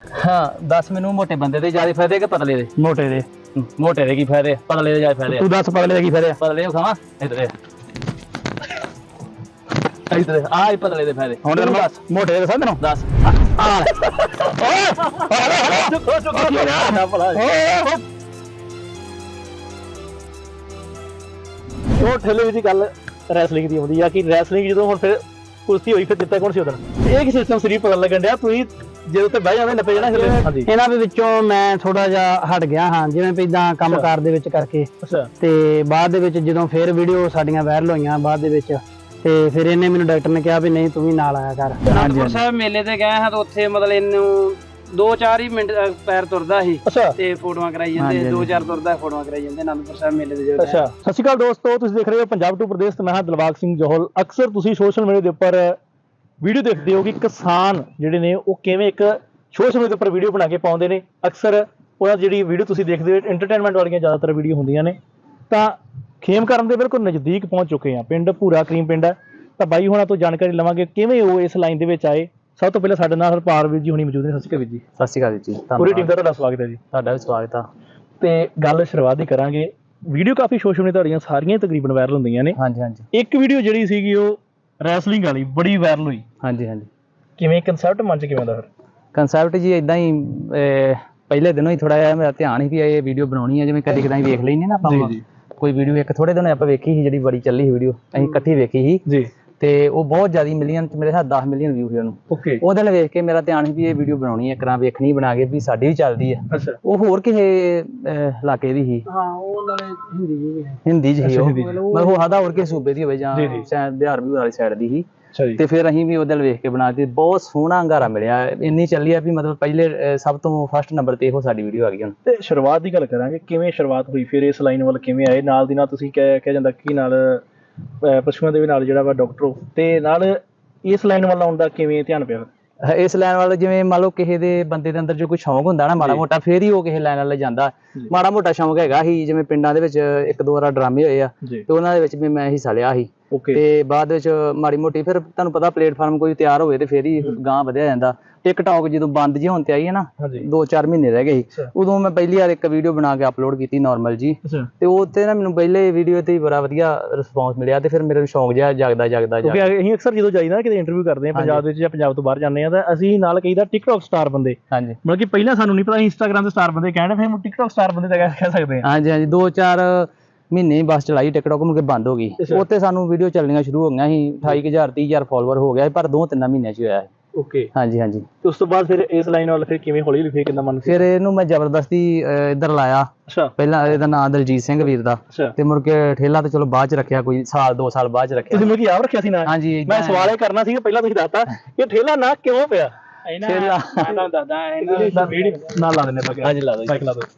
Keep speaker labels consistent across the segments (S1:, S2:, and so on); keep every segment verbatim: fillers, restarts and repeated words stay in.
S1: हाँ दस मैनू मोटे बंदे दे ज्यादा फायदे कि पतले दे?
S2: मोटे दे।
S1: मोटे दे की फायदे, पतले दे ज्यादा फायदे?
S2: तू दस पतले दे की फायदे?
S1: पतले दे खावा इधर इधर आ ही पतले दे फायदे।
S2: हुण तेरे बस मोटे दे दसां तैनूं?
S1: दस
S2: ਉਹ ਠੇਲੇ ਵਿੱਚ ਗੱਲ ਰੈਸਲਿੰਗ ਦੀ ਆਉਂਦੀ ਆ ਕਿ ਰੈਸਲਿੰਗ ਜਦੋਂ ਹੁਣ ਫਿਰ ਕੁਸ਼ਤੀ ਹੋਈ ਫਿਰ ਜਿੱਤਿਆ ਕੌਣ ਸੀ ਉਦੋਂ? ਇਹ ਕੀ ਸਿਸਟਮ ਸਰੀ ਪਤਾ ਲੱਗਣ ਡਿਆ ਤੁਸੀਂ ਜਦੋਂ ਤੇ ਬਹਿ ਜਾਂਦੇ ਨੱਪੇ ਜਾਣਾ ਹਿੱਲੇ। ਹਾਂਜੀ
S3: ਇਹਨਾਂ ਦੇ ਵਿੱਚੋਂ ਮੈਂ ਥੋੜਾ ਜਿਹਾ ਹਟ ਗਿਆ ਹਾਂ, ਜਿਵੇਂ ਪਹਿਲਾਂ ਕੰਮਕਾਰ ਦੇ ਵਿੱਚ ਕਰਕੇ
S2: ਅੱਛਾ
S3: ਤੇ ਬਾਅਦ ਦੇ ਵਿੱਚ ਜਦੋਂ ਫਿਰ ਵੀਡੀਓ ਸਾਡੀਆਂ ਵਾਇਰਲ ਹੋਈਆਂ ਬਾਅਦ ਦੇ ਵਿੱਚ ਤੇ ਫਿਰ ਇਹਨੇ ਮੈਨੂੰ ਡਾਕਟਰ ਨੇ ਕਿਹਾ ਵੀ ਨਹੀਂ ਤੂੰ ਵੀ ਨਾਲ ਆਇਆ ਕਰ।
S4: ਅਨੰਦਪੁਰ ਸਾਹਿਬ ਮੇਲੇ ਤੇ ਗਏ ਹਾਂ ਤਾਂ ਉੱਥੇ ਮਤਲਬ ਇਹਨੂੰ ਦੋ ਚਾਰ ਹੀ ਮਿੰਟ ਪੈਰ ਤੁਰਦਾ ਸੀ
S2: ਅੱਛਾ
S4: ਤੇ ਫੋਟੋਆਂ ਕਰਾਈ ਜਾਂਦੇ, ਦੋ ਚਾਰ ਤੁਰਦਾ ਫੋਟੋਆਂ ਕਰਾਈ ਜਾਂਦੇ ਅਨੰਦਪੁਰ ਸਾਹਿਬ ਮੇਲੇ ਦੇ ਜਿਹੜੇ।
S2: ਅੱਛਾ ਸਤਿ ਸ਼੍ਰੀ ਅਕਾਲ ਦੋਸਤੋ, ਤੁਸੀਂ ਦੇਖ ਰਹੇ ਹੋ ਪੰਜਾਬ ਟੂ ਪ੍ਰਦੇਸ਼ ਤੇ ਮੈਂ ਹਾਂ ਦਿਲਬਾਗ ਸਿੰਘ ਜੋਹਲ। ਅਕਸਰ ਤੁਸੀਂ ਸੋਸ਼ਲ ਮੀਡੀਆ ਦੇ ਉੱਪਰ ਵੀਡੀਓ ਦੇਖਦੇ ਹੋ ਕਿ ਕਿਸਾਨ ਜਿਹੜੇ ਨੇ ਉਹ ਕਿਵੇਂ ਇੱਕ ਸੋਸ਼ਲ ਮੀਡੀਆ ਦੇ ਉੱਪਰ ਵੀਡੀਓ ਬਣਾ ਕੇ ਪਾਉਂਦੇ ਨੇ। ਅਕਸਰ ਉਹਨਾਂ ਦੀ ਜਿਹੜੀ ਵੀਡੀਓ ਤੁਸੀਂ ਦੇਖਦੇ ਹੋ ਐਂਟਰਟੇਨਮੈਂਟ ਵਾਲੀਆਂ ਜ਼ਿਆਦਾਤਰ ਵੀਡੀਓ ਹੁੰਦੀਆਂ ਨੇ। ਤਾਂ ਖੇਮਕਰਨ ਦੇ ਬਿਲਕੁਲ ਨਜ਼ਦੀਕ ਪਹੁੰਚ ਚੁੱਕੇ ਹਾਂ, ਪਿੰਡ ਭੂਰਾ ਕਰੀਮ ਪਿੰਡ ਹੈ। ਤਾਂ ਬਾਈ ਹੋਣਾ ਤੋਂ ਜਾਣਕਾਰੀ ਲਵਾਂਗੇ ਕਿਵੇਂ ਉਹ ਇਸ ਲਾਈਨ ਦੇ ਵਿੱਚ ਆਏ। ਸਭ ਤੋਂ ਪਹਿਲਾਂ ਸਾਡੇ ਨਾਲ ਹਰਪਾਲ ਵੀਰ ਜੀ ਹੁਣੀ ਮੌਜੂਦ ਨੇ। ਸਤਿ ਸ਼੍ਰੀ ਅਕਾਲ ਵੀਰ ਜੀ।
S1: ਸਤਿ ਸ਼੍ਰੀ ਅਕਾਲ ਜੀ,
S2: ਪੂਰੀ ਟੀਮ ਦਾ ਤੁਹਾਡਾ ਸਵਾਗਤ ਹੈ ਜੀ।
S1: ਤੁਹਾਡਾ ਵੀ ਸਵਾਗਤ ਆ।
S2: ਤੇ ਗੱਲ ਸ਼ੁਰੂਆਤ ਹੀ ਕਰਾਂਗੇ, ਵੀਡੀਓ ਕਾਫੀ ਸੋਸ਼ਲ ਮੀਡੀਆ ਤੁਹਾਡੀਆਂ ਸਾਰੀਆਂ ਤਕਰੀਬਨ ਵਾਇਰਲ ਹੁੰਦੀਆਂ ਨੇ।
S1: ਹਾਂਜੀ ਹਾਂਜੀ
S2: ਇੱਕ ਵੀਡੀਓ ਜਿਹੜੀ ਸੀਗੀ ਉਹ ਰੈਸਲਿੰਗ ਵਾਲੀ ਬੜੀ ਵਾਇਰਲ ਹੋਈ।
S1: ਹਾਂਜੀ ਹਾਂਜੀ
S2: ਕਿਵੇਂ ਕਨਸੈਪਟ ਮਨ ਚ ਕਿਵੇਂ ਦਾ ਫਿਰ?
S1: ਕੰਸੈਪਟ ਜੀ ਇਦਾਂ ਹੀ ਅਹ, ਪਹਿਲੇ ਦਿਨੋਂ ਹੀ ਥੋੜਾ ਜਿਹਾ ਮੇਰਾ ਧਿਆਨ ਸੀ ਵੀ ਇਹ ਵੀਡੀਓ ਬਣਾਉਣੀ ਹੈ, ਜਿਵੇਂ ਕਦੀ ਕਦਾਈ ਵੇਖ ਲੈਂਦੇ ਨਾ ਆਪਾਂ ਕੋਈ ਵੀਡੀਓ। ਇੱਕ ਥੋੜੇ ਦਿਨ ਆਪਾਂ ਵੇਖੀ ਸੀ ਜਿਹੜੀ ਬੜੀ ਚੱਲੀ ਸੀ ਵੀਡੀਓ, ਅਸੀਂ ਇਕੱਠੀ ਵੇਖੀ ਸੀ
S2: ਜੀ
S1: ਤੇ ਉਹ ਬਹੁਤ ਜ਼ਿਆਦਾ ਮਿਲੀਅਨ ਚ, ਮੇਰੇ ਖਿਆਲ ਦਸ ਮਿਲੀਅਨ ਵਿਊ ਸੀ ਉਹਨੂੰ।
S2: ਓਕੇ
S1: ਉਹਦੇ ਨਾਲ ਵੇਖ ਕੇ ਮੇਰਾ ਧਿਆਨ ਸੀ ਵੀ ਇਹ ਵੀਡੀਓ ਬਣਾਉਣੀ ਹੈ, ਕਰਾਂ ਵੇਖਣੀ ਬਣਾ ਕੇ ਵੀ ਸਾਡੀ ਵੀ ਚੱਲਦੀ ਹੈ।
S2: ਅੱਛਾ
S1: ਉਹ ਹੋਰ ਕਿਸੇ ਅਹ, ਇਲਾਕੇ ਦੀ ਸੀ,
S4: ਹਾਂ ਉਹ ਨਾਲੇ ਹਿੰਦੀ ਜੀ
S1: ਹਿੰਦੀ ਚ ਸੀ ਉਹ,
S2: ਹਿੰਦੀ ਚ।
S1: ਮਤਲਬ ਉਹ ਹਦਾ ਹੋਰ ਕਿਸੇ ਸੂਬੇ ਦੀ ਹੋਵੇ ਜਾਂ
S2: ਜੀ, ਜੀ।
S1: ਸ਼ਾਇਦ ਬਿਹਾਰ ਬਿਹੂਰ ਵਾਲੀ ਸਾਈਡ ਦੀ ਸੀ।
S2: ਅੱਛਾ ਜੀ।
S1: ਤੇ ਫਿਰ ਅਸੀਂ ਵੀ ਉਹਦੇ ਨਾਲ ਵੇਖ ਕੇ ਬਣਾ ਦਿੱਤੀ। ਬਹੁਤ ਸੋਹਣਾ ਹੰਗਾਰਾ ਮਿਲਿਆ, ਇੰਨੀ ਚੱਲੀ ਆ ਵੀ ਮਤਲਬ ਪਹਿਲੇ ਅਹ, ਸਭ ਤੋਂ ਫਸਟ ਨੰਬਰ ਤੇ ਇਹੋ ਸਾਡੀ ਵੀਡੀਓ ਆ ਗਈ ਹੁਣ।
S2: ਤੇ ਸ਼ੁਰੂਆਤ ਦੀ ਗੱਲ ਕਰਾਂਗੇ, ਕਿਵੇਂ ਸ਼ੁਰੂਆਤ ਹੋਈ ਫਿਰ ਇਸ ਲਾਈਨ ਵੱਲ ਕਿਵੇਂ ਆਏ? ਨਾਲ ਦੀ ਨਾਲ ਤੁਸੀਂ ਕਹਿ ਕਹਿ ਜਾਂਦਾ ਕਿ ਨਾਲ ਅਹ, ਪਸ਼ੂਆਂ ਦੇ ਵੀ ਨਾਲ ਜਿਹੜਾ ਵਾ ਡਾਕਟਰ ਹੋ, ਤੇ ਨਾਲ ਇਸ ਲਾਈਨ ਵੱਲ ਆਉਣ ਦਾ ਕਿਵੇਂ ਧਿਆਨ ਪਿਆ?
S1: ਅਹ, ਇਸ ਲਾਈਨ ਵੱਲ ਜਿਵੇਂ ਮੰਨ ਲਓ ਕਿਸੇ ਦੇ ਬੰਦੇ ਦੇ ਅੰਦਰ ਜੋ ਕੋਈ ਸ਼ੌਂਕ ਹੁੰਦਾ ਨਾ ਮਾੜਾ ਮੋਟਾ, ਫੇਰ ਹੀ ਉਹ ਕਿਸੇ ਲਾਈਨ ਵੱਲ ਜਾਂਦਾ। ਮਾੜਾ ਮੋਟਾ ਸ਼ੌਂਕ ਹੈਗਾ ਸੀ, ਜਿਵੇਂ ਪਿੰਡਾਂ ਦੇ ਵਿੱਚ ਇੱਕ ਦੋ ਵਾਰ ਡਰਾਮੇ ਹੋਏ ਆ
S2: ਜੀ।
S1: ਤੇ ਉਹਨਾਂ ਦੇ ਵਿੱਚ ਵੀ ਮੈਂ ਹਿੱਸਾ ਲਿਆ ਸੀ।
S2: ਓਕੇ
S1: ਤੇ ਬਾਅਦ ਵਿੱਚ ਮਾੜੀ ਮੋਟੀ ਫਿਰ ਤੁਹਾਨੂੰ ਪਤਾ ਪਲੇਟਫਾਰਮ ਕੋਈ ਤਿਆਰ ਹੋਵੇ ਤੇ ਫੇਰ ਹੀ ਗਾਂਹ ਵਧਿਆ ਜਾਂਦਾ। ਟਿਕਟੌਕ ਜਦੋਂ ਬੰਦ ਜਿਹੀ ਹੋਣ ਤੇ ਆਈ ਹੈ ਨਾ,
S2: ਹਾਂਜੀ
S1: ਦੋ ਚਾਰ ਮਹੀਨੇ ਰਹਿ ਗਏ ਸੀ,
S2: ਅੱਛਾ।
S1: ਉਦੋਂ ਮੈਂ ਪਹਿਲੀ ਵਾਰ ਇੱਕ ਵੀਡੀਓ ਬਣਾ ਕੇ ਅਪਲੋਡ ਕੀਤੀ ਨਾਰਮਲ ਜੀ।
S2: ਅੱਛਾ
S1: ਤੇ ਉਹ ਤੇ ਨਾ ਮੈਨੂੰ ਪਹਿਲੇ ਵੀਡੀਓ ਤੇ ਹੀ ਬੜਾ ਵਧੀਆ ਰਿਸਪੌਂਸ ਮਿਲਿਆ ਤੇ ਫਿਰ ਮੇਰੇ ਸ਼ੌਂਕ ਜਿਹਾ ਜਾਗਦਾ ਜਾਗਦਾ
S2: ਕਿਉਂਕਿ
S1: ਜਾਗਦਾ
S2: ਅਸੀਂ ਅਕਸਰ ਜਦੋਂ ਜਾਈਦਾ ਕਿਤੇ ਇੰਟਰਵਿਊ ਕਰਦੇ ਆ ਪੰਜਾਬ ਵਿੱਚ ਜਾਂ ਪੰਜਾਬ ਤੋਂ ਬਾਹਰ ਜਾਂਦੇ ਆ, ਤਾਂ ਅਸੀਂ ਨਾਲ ਕਹੀਦਾ ਟਿਕਟੌਕ ਸਟਾਰ ਬੰਦੇ।
S1: ਹਾਂਜੀ
S2: ਮਤਲਬ ਕਿ ਪਹਿਲਾਂ ਸਾਨੂੰ ਨਹੀਂ ਪਤਾ ਇੰਸਟਾਗ੍ਰਾਮ ਦੇ ਸਟਾਰ ਬੰਦੇ ਕਹਿੰਦੇ, ਫਿਰ ਟਿਕਟੌਕ ਸਟਾਰ ਬੰਦੇ ਤਾਂ ਕਹਿ ਸਕਦੇ ਆ।
S1: ਹਾਂਜੀ ਹਾਂਜੀ ਦੋ ਚਾਰ ਮਹੀਨੇ ਹੀ ਬਸ ਚਲਾਈ ਟਿਕਟੌਕ, ਮੁੜ ਕੇ ਬੰਦ ਹੋ ਗਈ।
S2: ਅੱਛਾ।
S1: ਉੱਥੇ ਸਾਨੂੰ ਵੀਡੀਓ ਚੱਲਣੀਆਂ ਸ਼ੁਰੂ ਹੋ ਗਈਆਂ ਸੀ, ਅਠਾਈ ਕੁ ਹਜ਼ਾਰ ਤੀਹ ਹਜ਼ਾਰ ਫਾਲੋਅਰ ਹੋ ਗਿਆ ਸੀ, ਪਰ ਦੋ ਤਿੰਨਾਂ ਮਹੀਨਿਆਂ 'ਚ ਹੀ ਹੋਇਆ ਹੈ।
S2: ਓਕੇ
S1: ਹਾਂਜੀ ਹਾਂਜੀ
S2: ਤੇ ਉਸ ਤੋਂ ਬਾਅਦ ਫਿਰ ਇਸ ਲਾਈਨ ਵੱਲ ਫਿਰ ਕਿਵੇਂ ਹੌਲੀ ਹੌਲੀ ਫੇਰ ਕਿੰਨਾ ਮਨ?
S1: ਫਿਰ ਇਹਨੂੰ ਮੈਂ ਜ਼ਬਰਦਸਤੀ ਅਹ, ਇੱਧਰ ਲਾਇਆ।
S2: ਅੱਛਾ
S1: ਪਹਿਲਾਂ ਇਹਦਾ ਨਾਮ ਦਲਜੀਤ ਸਿੰਘ ਵੀਰ ਦਾ,
S2: ਅੱਛਾ।
S1: ਤੇ ਮੁੜ ਕੇ ਠੇਲਾ ਤੇ ਚਲੋ ਬਾਅਦ ਚ ਰੱਖਿਆ, ਕੋਈ ਸਾਲ ਦੋ ਸਾਲ ਬਾਅਦ ਚ ਰੱਖਿਆ।
S2: ਤੁਸੀਂ ਮੈਨੂੰ ਆਪ ਰੱਖਿਆ ਸੀ ਨਾ?
S1: ਹਾਂਜੀ
S2: ਮੈਂ ਸਵਾਲ ਇਹ ਕਰਨਾ ਸੀ, ਪਹਿਲਾਂ ਤੁਸੀਂ ਦੱਸਤਾ ਕਿ ਠੇਲਾ ਨਾ ਕਿਉਂ ਪਿਆ?
S1: ਠੇਲਾ
S4: ਇਹਨਾਂ ਦਾ ਦਾਦਾ ਇਹਨਾਂ
S2: ਨਾਲ ਲਾ ਦਿੰਦੇ ਆਪਾਂ।
S1: ਹਾਂਜੀ ਲਾ ਦਿਓ।
S2: ਮਾਈਕ ਲਾ ਦਿਓ।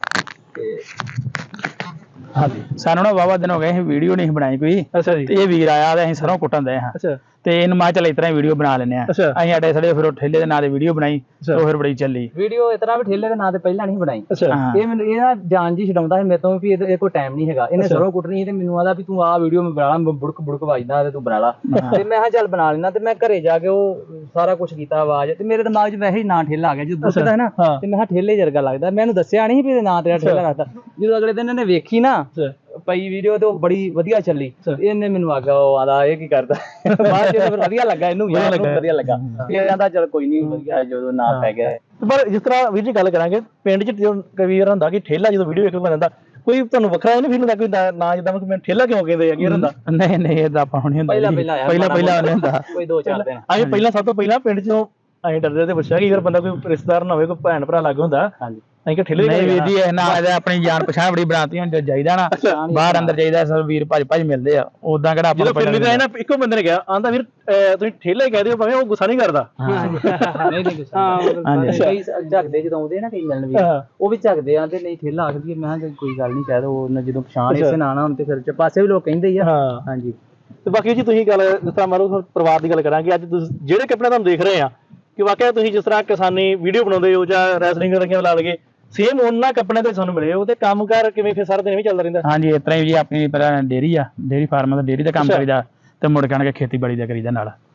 S2: ਹਾਂਜੀ
S3: ਸਾਨੂੰ ਨਾ ਵਾਵਾ ਦਿਨ ਹੋ ਗਏ ਅਸੀਂ ਵੀਡੀਓ ਨਹੀਂ ਬਣਾਈ ਕੋਈ,
S2: ਅੱਛਾ ਜੀ।
S3: ਤੇ ਇਹ ਵੀਰ ਆਇਆ ਤੇ ਅਸੀਂ ਸਰੋਂ ਕੁੱਟਣ ਦੇ ਹਾਂ
S2: ਅੱਛਾ
S3: ਤੇ ਇਹਨੂੰ ਮੈਂ ਚੱਲ ਇਸ ਤਰ੍ਹਾਂ ਵੀਡੀਓ ਬਣਾ ਲੈਂਦੇ ਆ।
S2: ਅੱਛਾ।
S3: ਅਸੀਂ ਅੜੇ ਸੜੇ ਫਿਰ ਉਹ ਠੇਲੇ ਦੇ ਨਾਂ ਤੇ ਵੀਡੀਓ ਬਣਾਈ ਤੇ ਉਹ ਫਿਰ ਬੜੀ ਚੱਲੀ।
S1: ਵੀਡੀਓ ਇਤਨਾ ਵੀ ਠੇਲੇ ਦੇ ਨਾਂ ਤੇ ਪਹਿਲਾਂ ਨਹੀਂ ਬਣਾਈ।
S2: ਅੱਛਾ
S3: ਹਾਂ।
S1: ਇਹ ਮੈਨੂੰ ਇਹ ਨਾ ਜਾਨ ਜੀ ਛਡਾਉਂਦਾ ਸੀ ਮੇਰੇ ਤੋਂ ਵੀ ਇਹ ਕੋਈ ਟਾਈਮ ਨਹੀਂ ਹੈਗਾ, ਇਹਨੇ ਸਰੋਂ ਕੁੱਟਣੀ ਸੀ ਤੇ ਮੈਨੂੰ ਆਦਾ ਵੀ ਤੂੰ ਆਹ ਵੀਡੀਓ ਮੈਂ ਬਣਾ ਲਾ, ਬੁੜਕ ਬੁੜਕ ਵੱਜਦਾ ਤੇ ਤੂੰ ਬਣਾ ਲਾ। ਤੇ ਮੈਂ ਕਿਹਾ ਚੱਲ ਬਣਾ ਲੈਣਾ, ਤੇ ਮੈਂ ਘਰੇ ਜਾ ਕੇ ਉਹ ਸਾਰਾ ਕੁਝ ਕੀਤਾ ਆਵਾਜ਼, ਤੇ ਮੇਰੇ ਦਿਮਾਗ 'ਚ ਵੈਸੇ ਹੀ ਨਾਂ ਠੇਲਾ ਆ ਗਿਆ ਜਦੋਂ ਪੁੱਛਦਾ ਹੈ ਨਾ, ਤੇ ਮੈਂ ਕਿਹਾ ਠੇਲੇ ਜਰਗਾ ਲੱਗਦਾ। ਮੈਨੂੰ ਦੱਸਿਆ ਨਹੀਂ ਵੀ ਇਹਦੇ ਨਾਂ ਤੇਰਾ ਠੇਲਾ ਰੱਖਦਾ। ਜਦੋਂ ਅਗਲੇ ਦਿਨ ਇਹਨੇ ਵੇਖੀ ਨਾ ਪਈ ਵੀਡੀਓ ਤੇ ਉਹ ਬੜੀ ਵਧੀਆ ਚੱਲੀ, ਇਹਨੇ ਮੈਨੂੰ ਆਖਿਆ ਉਹ ਆਦਾ ਇਹ ਕੀ ਕਰਦਾ। ਬਾਅਦ ਚ ਫਿਰ ਵਧੀਆ ਲੱਗਾ, ਇਹਨੂੰ ਵੀ ਵਧੀਆ ਲੱਗਾ। ਇਹ ਕਹਿੰਦਾ ਚਲ ਕੋਈ ਨਹੀਂ ਵਧੀਆ ਜਦੋਂ ਨਾਂ ਪੈ ਗਿਆ।
S2: ਪਰ ਜਿਸ ਤਰ੍ਹਾਂ ਵੀਰ ਜੀ ਗੱਲ ਕਰਾਂਗੇ, ਪਿੰਡ 'ਚ ਕਈ ਵਾਰ ਹੁੰਦਾ ਕਿ ਠੇਲਾ ਜਦੋਂ ਵੀਡੀਓ ਵੇਖ ਕੇ ਬਣਦਾ, ਕੋਈ ਤੁਹਾਨੂੰ ਵੱਖਰਾ ਇਹ ਨਹੀਂ ਫੀਲ ਹੁੰਦਾ ਕੋਈ ਨਾ ਜਿੱਦਾਂ ਮੈਂ ਠੇਲਾ ਕਿਉਂ ਕਹਿੰਦੇ ਆ ਕੀ ਹੁੰਦਾ?
S3: ਨਹੀਂ ਨਹੀਂ ਇਹਦਾ ਆਪਾਂ ਹੁਣ ਨਹੀਂ ਹੁੰਦਾ,
S1: ਪਹਿਲਾਂ ਪਹਿਲਾਂ
S3: ਪਹਿਲਾਂ ਪਹਿਲਾਂ ਨਹੀਂ ਹੁੰਦਾ।
S1: ਕੋਈ ਦੋ ਚਾਰ ਦਿਨ
S2: ਅਸੀਂ ਪਹਿਲਾਂ ਸਭ ਤੋਂ ਪਹਿਲਾਂ ਪਿੰਡ 'ਚੋਂ ਅਸੀਂ ਡਰਦੇ ਤੇ ਪੁੱਛਿਆ ਕਿ ਅਗਰ ਬੰਦਾ ਕੋਈ ਰਿਸ਼ਤੇਦਾਰ ਨਾ ਹੋਵੇ, ਕੋਈ ਭੈਣ ਭਰਾ ਲੱਗ ਹੁੰਦਾ,
S1: ਹਾਂਜੀ
S2: ਅਸੀਂ ਕਿ ਠੇਲੇ
S3: ਨਹੀਂ ਵੀਰ ਜੀ ਇਹ ਨਾ ਇਹਦਾ ਆਪਣੀ ਜਾਣ ਪਛਾਣ ਬੜੀ ਬਣਾਤੀ। ਹੁਣ ਜਦ ਜਾਈਦਾ ਨਾ ਬਾਹਰ ਅੰਦਰ ਜਾਈਦਾ ਸਭ ਵੀਰ ਭੱਜ ਭੱਜ ਮਿਲਦੇ ਆ, ਉਦਾਂ ਕਿਹੜਾ ਆਪਾਂ
S2: ਜਦੋਂ ਫਿਰਨੀ ਤਾਂ ਨਾ ਇੱਕੋ ਬੰਦੇ ਨੇ ਕਿਹਾ, ਆਂਦਾ ਵੀਰ ਤੁਸੀਂ ਠੇਲਾ ਹੀ ਕਹਿ ਦਿਓ ਭਾਵੇਂ, ਉਹ ਗੁੱਸਾ ਨਹੀਂ ਕਰਦਾ।
S1: ਨਹੀਂ ਨਹੀਂ ਹਾਂ ਕਈ ਝੱਕਦੇ ਜਦੋਂ ਆਉਂਦੇ ਨਾ ਕਈ ਮਿਲਣ ਵੀ, ਉਹ ਵੀ ਝੱਕਦੇ ਆ ਤੇ ਨਹੀਂ ਠੇਲਾ ਆਖਦੀ। ਮੈਂ ਕਿਹਾ ਕੋਈ ਗੱਲ ਨਹੀਂ ਕਹਿ ਦੋ, ਜਦੋਂ ਪਛਾਣ ਇਸੇ ਨਾ ਨਾ ਹੁਣ ਤੇ ਫਿਰ ਪਾਸੇ ਵੀ ਲੋਕ ਕਹਿੰਦੇ ਹੀ ਆ।
S2: ਹਾਂ
S1: ਹਾਂਜੀ
S2: ਤੇ ਬਾਕੀ ਜੀ ਤੁਸੀਂ ਗੱਲ ਜਿਸ ਤਰ੍ਹਾਂ ਮੰਨ ਲਓ ਪਰਿਵਾਰ ਦੀ ਗੱਲ ਕਰਾਂਗੇ, ਅੱਜ ਤੁਸੀਂ ਜਿਹੜੇ ਕੱਪੜੇ ਤੁਹਾਨੂੰ ਦੇਖ ਰਹੇ ਆ ਕਿ ਵਾਕਿਆ ਤੁਸੀਂ ਜਿਸ ਤਰ੍ਹਾਂ ਕਿਸਾਨੀ ਵੀਡੀਓ ਬਣਾਉਂਦੇ ਹੋ ਜਾਂ ਰੈਸਲਿੰਗ ਰੱਖੀਆਂ ਲਾ ਲਗੇ, ਸੇਮ ਉਹਨਾਂ ਕੱਪੜਿਆਂ ਤੇ ਤੁਹਾਨੂੰ ਮਿਲੇ ਹੋ, ਤੇ ਕੰਮਕਾਰ ਕਿਵੇਂ ਫਿਰ ਸਾਰਾ ਦਿਨ ਵੀ ਚੱਲਦਾ ਰਹਿੰਦਾ?
S3: ਹਾਂਜੀ ਇਸ ਤਰ੍ਹਾਂ ਹੀ ਜੀ ਆਪਣੀ ਪਹਿਲਾਂ ਡੇਅਰੀ ਆ, ਡੇਅਰੀ ਫਾਰਮ ਦਾ ਡੇਅਰੀ ਦਾ ਕੰਮ ਕਰੀਦਾ ਤੇ ਮੁੜ ਕੇ ਆਣ ਕੇ ਖੇਤੀਬਾੜੀ ਦਾ ਕਰੀਦਾ ਨਾਲ।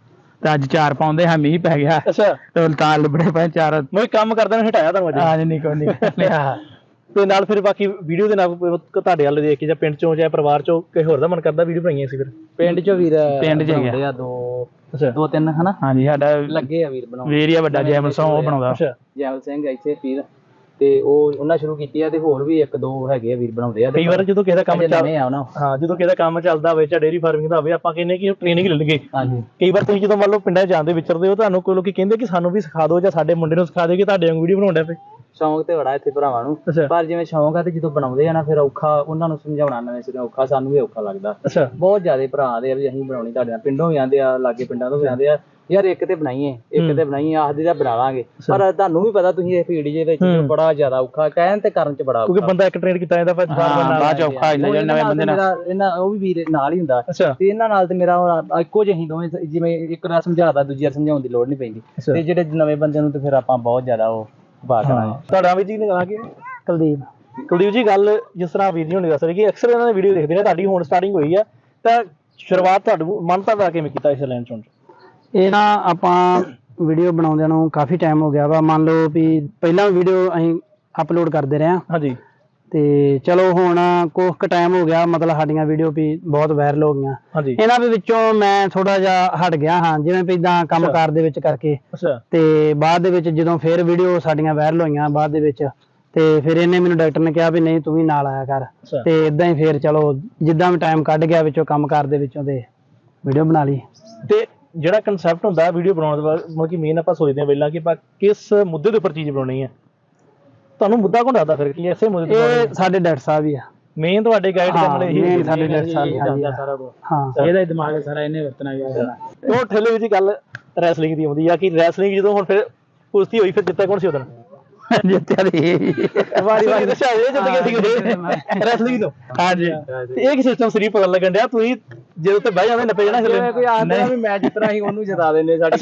S3: ਤੇ ਅੱਜ ਚਾਰ ਪਾਉਂਦੇ ਹਾਂ ਮੀਂਹ ਪੈ ਗਿਆ
S2: ਅੱਛਾ
S3: ਤੇ ਤਾਂ ਲੱਭੜੇ ਪਏ ਚਾਰ
S2: ਮੈਂ ਕੰਮ ਕਰਦਾ ਨੂੰ ਹਟਾਇਆ ਤੁਹਾਨੂੰ ਅੱਜ
S3: ਆ ਨਹੀਂ ਕੋਈ ਨਹੀਂ ਲਿਆ
S2: ਤੇ ਨਾਲ ਫਿਰ ਬਾਕੀ ਵੀਡੀਓ ਦੇ ਨਾਲ ਕੋਈ ਤੁਹਾਡੇ ਵੱਲ ਦੇਖ ਕੇ ਜਾਂ ਪਿੰਡ ਚੋਂ ਜਾਂ ਪਰਿਵਾਰ ਚੋਂ ਕਿਸੇ ਹੋਰ ਦਾ ਮਨ ਕਰਦਾ ਵੀਡੀਓ ਬਣਾਈਆਂ ਸੀ ਫਿਰ
S1: ਪਿੰਡ ਚ ਵੀਰ
S3: ਪਿੰਡ ਚ
S1: ਬਣਾਉਂਦੇ
S3: ਗਿਆ
S1: ਆ ਦੋ
S2: ਅੱਛਾ
S1: ਦੋ ਤਿੰਨ ਹਨਾ
S3: ਹਾਂਜੀ ਸਾਡਾ
S1: ਲੱਗੇ ਆ ਵੀਰ ਬਣਾਉਣ
S3: ਵੀਰ ਹੀ ਆ ਵੱਡਾ ਜੈਮਲ ਸਿੰਘ ਉਹ ਬਣਾਉਂਦਾ
S2: ਅੱਛਾ
S1: ਜੈਵਲ ਸਿੰਘ ਇੱਥੇ ਵੀਰ ਤੇ ਉਹ ਉਹਨਾਂ ਸ਼ੁਰੂ ਕੀਤੀ ਆ ਤੇ ਹੋਰ ਵੀ ਇੱਕ ਦੋ ਹੈਗੇ ਆ ਵੀਰ ਬਣਾਉਂਦੇ ਆ
S2: ਕਈ ਵਾਰ ਜਦੋਂ ਕਿਸੇ ਦਾ ਕੰਮ
S1: ਅਜੇ
S2: ਚੱਲ
S1: ਨਵੇਂ ਆ ਉਹਨਾਂ
S2: ਹਾਂ ਜਦੋਂ ਕਿਸੇ ਦਾ ਕੰਮ ਚੱਲਦਾ ਹੋਵੇ ਜਾਂ ਡੇਅਰੀ ਫਾਰਮਿੰਗ ਦਾ ਹੋਵੇ ਆਪਾਂ ਕਹਿੰਦੇ ਕਿ ਟ੍ਰੇਨਿੰਗ ਲੈ ਲਈਏ
S1: ਹਾਂਜੀ
S2: ਕਈ ਵਾਰ ਤੁਸੀਂ ਜਦੋਂ ਮੰਨ ਲਓ ਪਿੰਡਾਂ 'ਚ ਜਾਂਦੇ ਵਿਚਰਦੇ ਹੋ ਤੁਹਾਨੂੰ ਕੋਈ ਲੋਕੀ ਕਹਿੰਦੇ ਕਿ ਸਾਨੂੰ ਵੀ ਸਿਖਾ ਦਿਓ ਜਾਂ ਸਾਡੇ ਮੁੰਡੇ ਨੂੰ ਸਿਖਾ ਦਿਓ ਕਿ ਤੁਹਾਡੇ ਵਾਂਗ ਵੀਡੀਓ ਬਣਾਉਣ ਡਿਆ ਪਏ
S1: ਸ਼ੌਂਕ ਤੇ ਬੜਾ ਇੱਥੇ ਭਰਾਵਾਂ ਨੂੰ
S2: ਅੱਛਾ
S1: ਪਰ ਜਿਵੇਂ ਸ਼ੌਂਕ ਆ ਤੇ ਜਦੋਂ ਬਣਾਉਂਦੇ ਆ ਨਾ ਫਿਰ ਔਖਾ ਉਹਨਾਂ ਨੂੰ ਸਮਝਾਉਣਾ ਨਵੇਂ ਸਿਰੇ ਔਖਾ ਸਾਨੂੰ ਵੀ ਔਖਾ ਲੱਗਦਾ
S2: ਅੱਛਾ
S1: ਬਹੁਤ ਜ਼ਿਆਦਾ ਭਰਾ ਦੇ ਆ ਵੀ ਅਸੀਂ ਬਣਾਉਣੀ ਤੁਹਾਡੇ ਨਾਲ ਪਿੰਡੋਂ ਵੀ ਆਉਂਦੇ ਆ ਲਾਗੇ ਪਿੰਡਾਂ ਤੋਂ ਵੀ ਆਉਂਦੇ ਆ ਯਾਰ ਇੱਕ ਤੇ ਬਣਾਈਏ ਇੱਕ ਤੇ ਬਣਾਈਏ ਆਖਦੀ ਤਾਂ ਬਣਾ ਲਾਂਗੇ ਪਰ ਤੁਹਾਨੂੰ ਵੀ ਪਤਾ ਤੁਸੀਂ ਇਹ ਫੀਲਡ ਦੇ ਵਿੱਚ ਬੜਾ ਜ਼ਿਆਦਾ ਔਖਾ ਕਹਿਣ ਤੇ ਕਰਨ ਚ ਬੜਾ ਔਖਾ
S2: ਕਿਉਂਕਿ ਬੰਦਾ ਇੱਕ ਟ੍ਰੇਨ ਕੀਤਾ ਜਾਂਦਾ ਫਿਰ
S3: ਬਾਅਦ ਚ ਔਖਾ ਇੰਨਾ ਜਿਹੜੇ ਨਵੇਂ ਬੰਦੇ ਨਾਲ
S1: ਮੇਰਾ ਇਹਨਾਂ ਉਹ ਵੀ ਵੀਰ ਨਾਲ ਹੀ ਹੁੰਦਾ
S2: ਅੱਛਾ
S1: ਤੇ ਇਹਨਾਂ ਨਾਲ ਤੇ ਮੇਰਾ ਹੁਣ ਇੱਕੋ ਜਿਹੇ ਹੀ ਦੋਵੇਂ ਜਿਵੇਂ ਇੱਕ ਵਾਰ ਸਮਝਾਦਾ ਦੂਜੀ ਵਾਰ ਸਮਝਾਉਣ ਦੀ ਲੋੜ ਨਹੀਂ ਪੈਂਦੀ ਤੇ ਜਿਹੜੇ ਨਵੇਂ ਬੰਦਿਆਂ ਨੂੰ ਤੇ ਫਿਰ ਆਪਾਂ ਬਹੁਤ ਜ਼ਿਆਦਾ ਉਹ ਪਾ ਕਰਾਂਗੇ
S2: ਤੁਹਾਡਾ ਵੀ ਜੀ ਨੇ ਕਹਾ ਕਿ
S3: ਕੁਲਦੀਪ
S2: ਕੁਲਦੀਪ ਜੀ ਗੱਲ ਜਿਸ ਤਰ੍ਹਾਂ ਵੀਰ ਜੀ ਹੁਣੇ ਦੱਸ ਰਹੇ ਕਿ ਅਕਸਰ ਇਹਨਾਂ ਦੀ ਵੀਡੀਓ ਦੇਖਦੇ ਨੇ ਤੁਹਾਡੀ ਹੁਣ ਸਟਾਰਟਿੰਗ ਹੋਈ ਆ ਤਾਂ ਸ਼ੁਰੂਆਤ ਤੁਹਾਨੂੰ ਮਨ ਤਾਂ ਕਿਵੇਂ ਕੀਤਾ ਇਸ ਲਾਈਨ ਚੋਂ
S3: ਇਹ ਨਾ ਆਪਾਂ ਵੀਡੀਓ ਬਣਾਉਂਦਿਆਂ ਨੂੰ ਕਾਫੀ ਟਾਈਮ ਹੋ ਗਿਆ ਵਾ ਮੰਨ ਲਓ ਵੀ ਪਹਿਲਾਂ ਵੀਡੀਓ ਅਸੀਂ ਅਪਲੋਡ ਕਰਦੇ ਰਹੇ ਹਾਂ
S2: ਹਾਂਜੀ
S3: ਤੇ ਚਲੋ ਹੁਣ ਕੁਝ ਕੁ ਟਾਈਮ ਹੋ ਗਿਆ ਮਤਲਬ ਸਾਡੀਆਂ ਵੀਡੀਓ ਵੀ ਬਹੁਤ ਵਾਇਰਲ ਹੋ ਗਈਆਂ
S2: ਹਾਂਜੀ
S3: ਇਹਨਾਂ ਦੇ ਵਿੱਚੋਂ ਮੈਂ ਥੋੜਾ ਜਿਹਾ ਹਟ ਗਿਆ ਹਾਂ ਜਿਵੇਂ ਵੀ ਇਦਾਂ ਕੰਮਕਾਰ ਦੇ ਵਿੱਚ ਕਰਕੇ
S2: ਅੱਛਾ
S3: ਤੇ ਬਾਅਦ ਦੇ ਵਿੱਚ ਜਦੋਂ ਫਿਰ ਵੀਡੀਓ ਸਾਡੀਆਂ ਵਾਇਰਲ ਹੋਈਆਂ ਬਾਅਦ ਦੇ ਵਿੱਚ ਤੇ ਫਿਰ ਇਹਨੇ ਮੈਨੂੰ ਡਾਕਟਰ ਨੇ ਕਿਹਾ ਵੀ ਨਹੀਂ ਤੂੰ ਵੀ ਨਾਲ ਆਇਆ ਕਰ
S2: ਅੱਛਾ
S3: ਤੇ ਇਦਾਂ ਹੀ ਫਿਰ ਚਲੋ ਜਿੱਦਾਂ ਵੀ ਟਾਈਮ ਕੱਢ ਗਿਆ ਵਿੱਚੋਂ ਕੰਮਕਾਰ ਦੇ ਵਿੱਚੋਂ ਤੇ ਵੀਡੀਓ ਬਣਾ ਲਈ
S2: ਤੇ ਜਿਹੜਾ ਕਨਸੈਪਟ ਹੁੰਦਾ ਵੀਡੀਓ ਬਣਾਉਣ ਦਾ ਮਤਲਬ ਕਿ ਮੇਨ ਆਪਾਂ ਸੋਚਦੇ ਹਾਂ ਪਹਿਲਾਂ ਕਿ ਆਪਾਂ ਕਿਸ ਮੁੱਦੇ ਦੇ ਉੱਪਰ ਚੀਜ਼ ਬਣਾਉਣੀ ਹੈ ਤੁਹਾਨੂੰ ਮੁੱਦਾ ਕੌਣ ਦੱਸਦਾ ਫਿਰ ਕਿ ਐਸੇ ਮੁੱਦੇ ਤੇ
S3: ਇਹ ਸਾਡੇ ਡਾਕਟਰ ਸਾਹਿਬ ਹੀ ਆ
S2: ਮੇਨ ਤੁਹਾਡੇ ਗਾਈਡ ਕਰਨ ਵਾਲੇ ਇਹੀ
S3: main ਸਾਡੇ ਡਾਕਟਰ ਸਾਹਿਬ ਹੀ ਆ।
S1: ਸਾਰਾ ਕੁਝ
S3: ਹਾਂ
S1: ਇਹਦਾ ਹੀ ਦਿਮਾਗ ਸਾਰਾ ਇਹਨੇ ਵਰਤਣਾ ਗਿਆ
S2: ਉਹ ਠੇਲੇ ਵਿੱਚ ਗੱਲ ਰੈਸਲਿੰਗ ਦੀ ਆਉਂਦੀ ਆ ਕਿ ਰੈਸਲਿੰਗ ਜਦੋਂ ਹੁਣ ਫਿਰ ਕੁਸ਼ਤੀ ਹੋਈ ਫਿਰ ਜਿੱਤਿਆ ਕੌਣ ਸੀ ਉਦੋਂ
S3: ਜਿੱਤਿਆ ਤੇ
S2: ਵਾਰੀ ਵਾਰੀ ਦੱਸਿਆ ਇਹ ਜਿੱਤ ਗਏ ਸੀ ਰੈਸਲਿੰਗ ਤੋਂ
S3: ਹਾਂਜੀ
S2: ਤੇ ਇਹ ਕਿ ਸਿਸਟਮ ਸਰੀ ਪਤਾ ਲੱਗਣ ਡਿਆ ਤੁਸੀਂ ਜਦੋਂ ਤੇ ਬਹਿ ਜਾਂਦੇ ਨੱਪੇ ਜਾਣਾ
S1: ਜਿਵੇਂ ਕੋਈ ਆਂਦਾ ਵੀ ਮੈਚ ਜਿੱਤਣਾ ਸੀ ਉਹਨੂੰ ਜਿਤਾ ਦਿੰਦੇ ਸਾਡੇ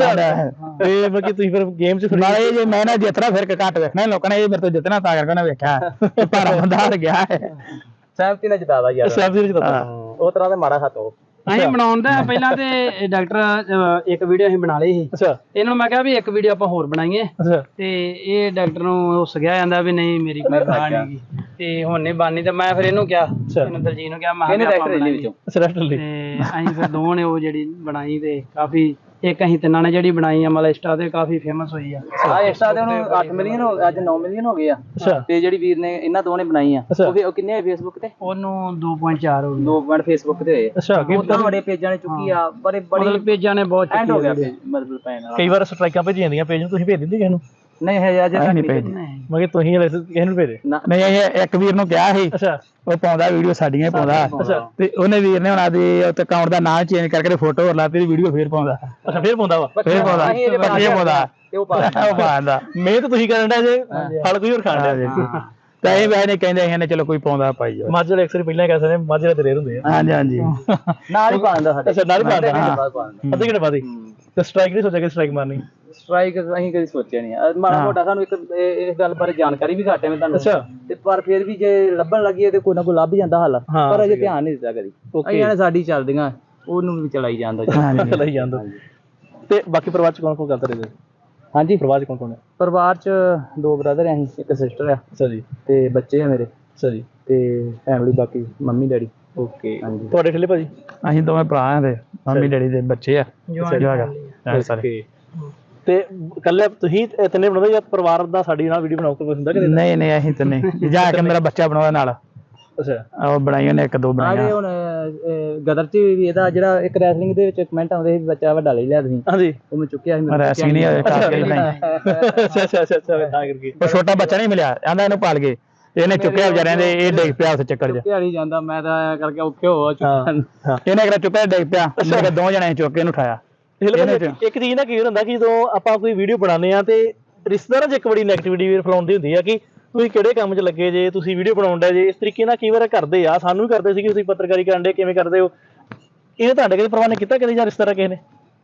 S2: ਤੇ ਮਤਲਬ ਕਿ ਤੁਸੀਂ ਫਿਰ ਗੇਮ 'ਚ ਫਿਰ
S3: ਨਾਲੇ ਜੇ ਮੈਂ ਨਾ ਜਿੱਤਣਾ ਫਿਰ ਘੱਟ ਵੇਖਣਾ ਲੋਕਾਂ ਨੇ ਇਹ ਮੇਰੇ ਤੋਂ ਜਿੱਤਣਾ ਤਾਂ ਕਰਕੇ ਨਾ ਵੇਖਿਆ ਭਾਰਾ ਬੰਦਾ ਹਾਰ ਗਿਆ ਹੈ
S1: ਸਹਿਮਤੀ ਨਾਲ ਜਿਤਾਦਾ ਯਾਰ
S2: ਸੈਫ ਦੇ ਵਿੱਚ ਤਾਂ
S1: ਉਹ ਤਰ੍ਹਾਂ ਦੇ ਮਾੜਾ ਹੱਥ ਉਹ
S4: ਅਸੀਂ ਬਣਾਉਂਦਾ ਪਹਿਲਾਂ ਤੇ ਡਾਕਟਰ ਇੱਕ ਵੀਡੀਓ ਅਸੀਂ ਬਣਾ ਲਈ ਸੀ
S2: ਅੱਛਾ
S4: ਇਹਨਾਂ ਨੂੰ ਮੈਂ ਕਿਹਾ ਵੀ ਇੱਕ ਵੀਡੀਓ ਆਪਾਂ ਹੋਰ ਬਣਾਈਏ
S2: ਅੱਛਾ
S4: ਤੇ ਇਹ ਡਾਕਟਰ ਨੂੰ ਉਸ ਗਿਆ ਜਾਂਦਾ ਵੀ ਨਹੀਂ ਮੇਰੀ ਕੋਈ ਬਾਤ ਨਹੀਂਗੀ ਤੇ ਹੁਣ ਨਹੀਂ ਬਾਨੀ ਤੇ ਮੈਂ ਫਿਰ ਇਹਨੂੰ ਕਿਹਾ ਇਹਨੂੰ ਦਲਜੀਤ ਨੂੰ ਕਿਹਾ ਮੈਂ
S1: ਇਹਨੇ
S4: ਕਿਹਾ
S1: ਡਾਕਟਰ ਇਹਦੇ ਵਿੱਚੋਂ
S2: ਅੱਛਾ ਰੈਸਟ ਲਈ
S4: ਤੇ ਅਸੀਂ ਫਿਰ ਦੋਵਾਂ ਨੇ ਉਹ ਜਿਹੜੀ ਬਣਾਈ ਤੇ ਕਾਫੀ ਇੱਕ ਅਸੀਂ ਤਿੰਨਾਂ ਨੇ ਜਿਹੜੀ ਬਣਾਈ ਆ ਮਤਲਬ ਇੰਸਟਾ ਤੇ ਕਾਫੀ ਫੇਮਸ ਹੋਈ ਆ
S1: ਆ ਇੰਸਟਾ ਤੇ ਉਹਨੂੰ ਅੱਠ ਮਿਲੀਅਨ ਹੋ ਅੱਜ ਨੌ ਮਿਲੀਅਨ ਹੋ ਗਏ ਆ
S2: ਅੱਛਾ
S1: ਤੇ ਜਿਹੜੀ ਵੀਰ ਨੇ ਇਹਨਾਂ ਦੋਵਾਂ ਨੇ ਬਣਾਈ ਆ
S2: ਅੱਛਾ।
S1: ਉਹ ਵੀ- ਉਹ ਕਿੰਨੇ ਹੋਏ ਫੇਸਬੁੱਕ ਤੇ
S4: ਉਹਨੂੰ ਦੋ ਪੁਆਇੰਟ ਚਾਰ ਹੋ ਗਏ
S1: ਦੋ ਪੁਆਇੰਟ ਫੇਸਬੁੱਕ ਤੇ ਹੋਏ
S2: ਅੱਛਾ ਕਿ
S1: ਉਦਾਂ ਬੜੇ ਪੇਜਾਂ ਨੇ ਚੁੱਕੀ ਆ ਬੜੇ ਬੜੀ
S4: ਮਤਲਬ ਪੇਜਾਂ ਨੇ ਬਹੁਤ
S1: ਐਂਡ ਹੋ ਗਿਆ
S4: ਚੁੱਕੀ
S1: page, ਮਤਲਬ ਪੈਣ ਵਾਲਾ
S2: ਕਈ ਵਾਰ ਸਟ੍ਰਾਈਕਾਂ ਭੇਜ ਜਾਂਦੀਆਂ ਪੇਜ ਨੂੰ ਤੁਸੀਂ ਭੇਜ ਦਿੰਦੇ ਕਿਸੇ ਨੂੰ
S1: ਨਹੀਂ ਹੈ ਅਜੇ ਤੱਕ ਨਹੀਂ ਭੇਜੀ।
S2: ਮੈਂ ਕਿ ਤੁਸੀਂ ਹਲੇ ਕਿਸੇ ਨੂੰ ਭੇਜੇ
S1: ਨਾ
S3: ਨਹੀਂ ਇਹ ਇੱਕ ਵੀਰ ਨੂੰ ਕਿਹਾ ਸੀ
S2: ਅੱਛਾ
S3: ਉਹ ਪਾਉਂਦਾ ਵੀਡੀਓ ਸਾਡੀਆਂ ਹੀ ਪਾਉਂਦਾ
S2: ਅੱਛਾ
S3: ਤੇ ਉਹਨੇ ਵੀਰ ਨੇ ਉਹਨਾਂ ਦੇ ਉੱਤੇ ਅਕਾਊਂਟ ਦਾ ਨਾਮ ਚੇਂਜ ਕਰਕੇ ਫੋਟੋ ਹੋਰ ਲਾਤੀ ਵੀਡੀਓ ਫੇਰ ਪਾਉਂਦਾ
S2: ਅੱਛਾ ਫੇਰ ਪਾਉਂਦਾ ਵਾ
S3: ਫੇਰ ਪਾਉਂਦਾ
S1: ਅਸੀਂ ਇਹਦੇ
S3: ਫੇਰ ਪਾਉਂਦਾ
S1: ਤੇ ਉਹ ਪਾ
S3: ਉਹ ਪਾਉਂਦਾ
S2: ਮਿਹਨਤ ਤੁਸੀਂ ਕਰਨ ਦਾ ਜੇ ਫਲ ਕੋਈ ਹੋਰ ਖਾਣ ਦਾ
S3: ਤਾਂ ਇਹ ਵੈਸੇ ਨਹੀਂ ਕਹਿੰਦੇ ਇਹਨੇ ਚਲੋ ਕੋਈ ਪਾਉਂਦਾ ਪਾਈ ਜਾਓ
S2: ਮੱਝ ਵਾਲੇ ਅਕਸਰ ਪਹਿਲਾਂ ਕਹਿ ਸਕਦੇ ਮੱਝ ਵਾਲੇ ਤੇ ਰੇਰ ਹੁੰਦੇ ਆ
S3: ਹਾਂਜੀ ਹਾਂਜੀ
S1: ਨਾਲ ਹੀ ਪਾ ਦਿੰਦਾ ਸਾਡੇ
S2: ਅੱਛਾ ਨਾਲ ਹੀ ਪਾਉਂਦਾ
S1: ਹਾਂ
S2: ਅੱਧੇ ਘੰਟੇ ਬਾਅਦ ਹੀ ਤੇ ਸਟ੍ਰਾਈਕ ਨਹੀਂ ਸੋਚਿਆ ਕਿ ਸਟ੍ਰਾਈਕ ਮਾਰਨੀ
S1: ਸਟ੍ਰਾਈਕ ਅਸੀਂ ਕਦੀ ਸੋਚਿਆ ਨਹੀਂ ਅਹ ਮਾੜਾ ਮੋਟਾ ਸਾਨੂੰ ਇੱਕ ਇਹ- ਇਸ ਗੱਲ ਬਾਰੇ ਜਾਣਕਾਰੀ ਵੀ ਘੱਟ ਹੈ ਮੈਂ ਤੁਹਾਨੂੰ
S2: ਅੱਛਾ
S1: ਤੇ ਪਰ ਫਿਰ ਵੀ ਜੇ ਲੱਭਣ ਲੱਗੀਏ ਤੇ ਕੋਈ ਨਾ ਕੋਈ ਲੱਭ ਜਾਂਦਾ ਹੱਲ
S2: ਹਾਂ,
S1: ਪਰ ਅਜੇ ਧਿਆਨ ਨਹੀਂ ਦਿੱਤਾ ਕਦੀ ਅਸੀਂ ਨੇ ਸਾਡੀ ਚੱਲਦੀਆਂ ਉਹਨੂੰ ਵੀ ਚਲਾਈ ਜਾਂਦਾ ਜੀ।
S2: ਲਈ ਜਾਂਦਾ ਤੇ ਬਾਕੀ ਪਰਿਵਾਰ ਚ ਕੌਣ ਕੌਣ ਕਰਦਾ ਰਹੇ
S1: ਹਾਂਜੀ
S2: ਪਰਿਵਾਰ ਚ ਕੌਣ ਕੌਣ ਹੈ
S1: ਪਰਿਵਾਰ ਚ ਦੋ ਬ੍ਰਦਰ ਆ ਅਸੀਂ ਇੱਕ ਸਿਸਟਰ ਆ
S2: ਅੱਛਾ ਜੀ
S1: ਤੇ ਬੱਚੇ ਆ ਮੇਰੇ
S2: ਅੱਛਾ ਜੀ
S1: ਤੇ ਫੈਮਿਲੀ ਬਾਕੀ ਮੰਮੀ ਡੈਡੀ
S2: ਓਕੇ
S1: ਹਾਂਜੀ
S2: ਤੁਹਾਡੇ ਠੇਲੇ ਭਾਜੀ
S3: ਅਸੀਂ ਦੋਵੇਂ ਭਰਾ ਆ ਤੇ ਮੰਮੀ ਡੈਡੀ ਦੇ ਬੱਚੇ ਆ ਜਵਾਗਾ ਸਾਰੇ
S2: ਤੇ ਕੱਲੇ ਤੁਸੀਂ ਇਹ ਤਿੰਨੇ ਬਣਾਉਂਦੇ ਜਾਂ ਪਰਿਵਾਰ ਦਾ ਸਾਡੀ ਨਾਲ ਵੀਡੀਓ ਬਣਾਓ ਕੋਈ ਹੁੰਦਾ ਕਿ ਨਹੀਂ?
S3: ਨਹੀਂ ਨਹੀਂ ਅਸੀਂ ਤਾਂ ਨਹੀਂ ਜਾ ਕੇ ਮੇਰਾ ਬੱਚਾ ਬਣਾਉਂਦਾ ਨਾਲ
S2: ਅੱਛਾ
S3: ਉਹ ਬਣਾਈ ਉਹਨੇ ਇੱਕ ਦੋ
S1: ਆੜੇ
S3: ਬਣਾਈਆਂ
S1: ਹੁਣ ਅਹ, ਗਦਰ ਚ ਵੀ ਇਹਦਾ ਜਿਹੜਾ ਇੱਕ ਰੈਸਲਿੰਗ ਦੇ ਵਿੱਚ ਕਮੈਂਟ ਆਉਂਦੇ ਸੀ ਵੀ ਬੱਚਾ ਵੱਡਾ ਲੈ ਲਿਆ ਤੁਸੀਂ
S2: ਹਾਂਜੀ
S1: ਉਹ ਮੈਂ ਚੁੱਕਿਆ ਸੀ ਮੇਰੇ
S3: ਰੈਸਲਿੰਗ ਨਹੀਂ ਹੋਇਆ ਕਰਕੇ ਲਿਖਾਈ
S2: ਅੱਛਾ ਅੱਛਾ ਅੱਛਾ ਅੱਛਾ ਤਾਂ ਕਰਕੇ
S3: ਉਹ ਛੋਟਾ ਬੱਚਾ ਨਹੀਂ ਮਿਲਿਆ ਆਂਦਾ ਇਹਨੂੰ ਪਾਲ ਗਏ ਇਹਨੇ ਚੁੱਕਿਆ ਵਿਚਾਰਿਆਂ ਦੇ ਇਹ ਡਿੱਗ ਪਿਆ ਉਸ ਚੱਕਰ 'ਚ
S1: ਚੁੱਕਿਆ ਨਹੀਂ ਜਾਂਦਾ ਮੈਂ ਤਾਂ ਐਂ ਕਰਕੇ ਔਖੇ ਹੋ
S2: ਹਾਂ
S1: ਚੁੱਕਿਆ
S2: ਹਾਂ
S3: ਇਹਨੇ ਕਿਹੜਾ ਚੁੱਕਿਆ ਡਿੱਗ ਪਿਆ ਮੇਰੇ ਦੋ ਜਣੇ ਚੁੱਕ ਕੇ ਇਹਨੂੰ ਉਠਾਇਆ
S2: ਇੱਕ ਚੀਜ਼ ਨਾ ਕੀ ਹੁੰਦਾ ਕਿ ਜਦੋਂ ਆਪਾਂ ਕੋਈ ਵੀਡੀਓ ਬਣਾਉਂਦੇ ਆ ਤੇ ਰਿਸ਼ਤੇਦਾਰਾਂ 'ਚ ਇੱਕ ਬੜੀ ਨੈਗੇਟਿਵਿਟੀ ਵੀ ਫੈਲਾਉਂਦੀ ਹੁੰਦੀ ਆ ਕਿ ਤੁਸੀਂ ਕਿਹੜੇ ਕੰਮ 'ਚ ਲੱਗੇ ਜੇ ਤੁਸੀਂ ਵੀਡੀਓ ਬਣਾਉਂਦੇ ਜੇ ਇਸ ਤਰੀਕੇ ਨਾਲ ਕਈ ਵਾਰ ਕਰਦੇ ਆ ਸਾਨੂੰ ਵੀ ਕਰਦੇ ਸੀ ਕਿ ਤੁਸੀਂ ਪੱਤਰਕਾਰੀ ਕਰਨ ਦੇ ਕਿਵੇਂ ਕਰਦੇ ਹੋ ਇਹ ਤੁਹਾਡੇ ਕਦੇ ਪਰਵਾਹ ਨਹੀਂ ਕੀਤਾ ਕਦੇ ਜਾਂ ਰਿਸ਼ਤੇਦਾਰ ਕਿਸੇ ਨੇ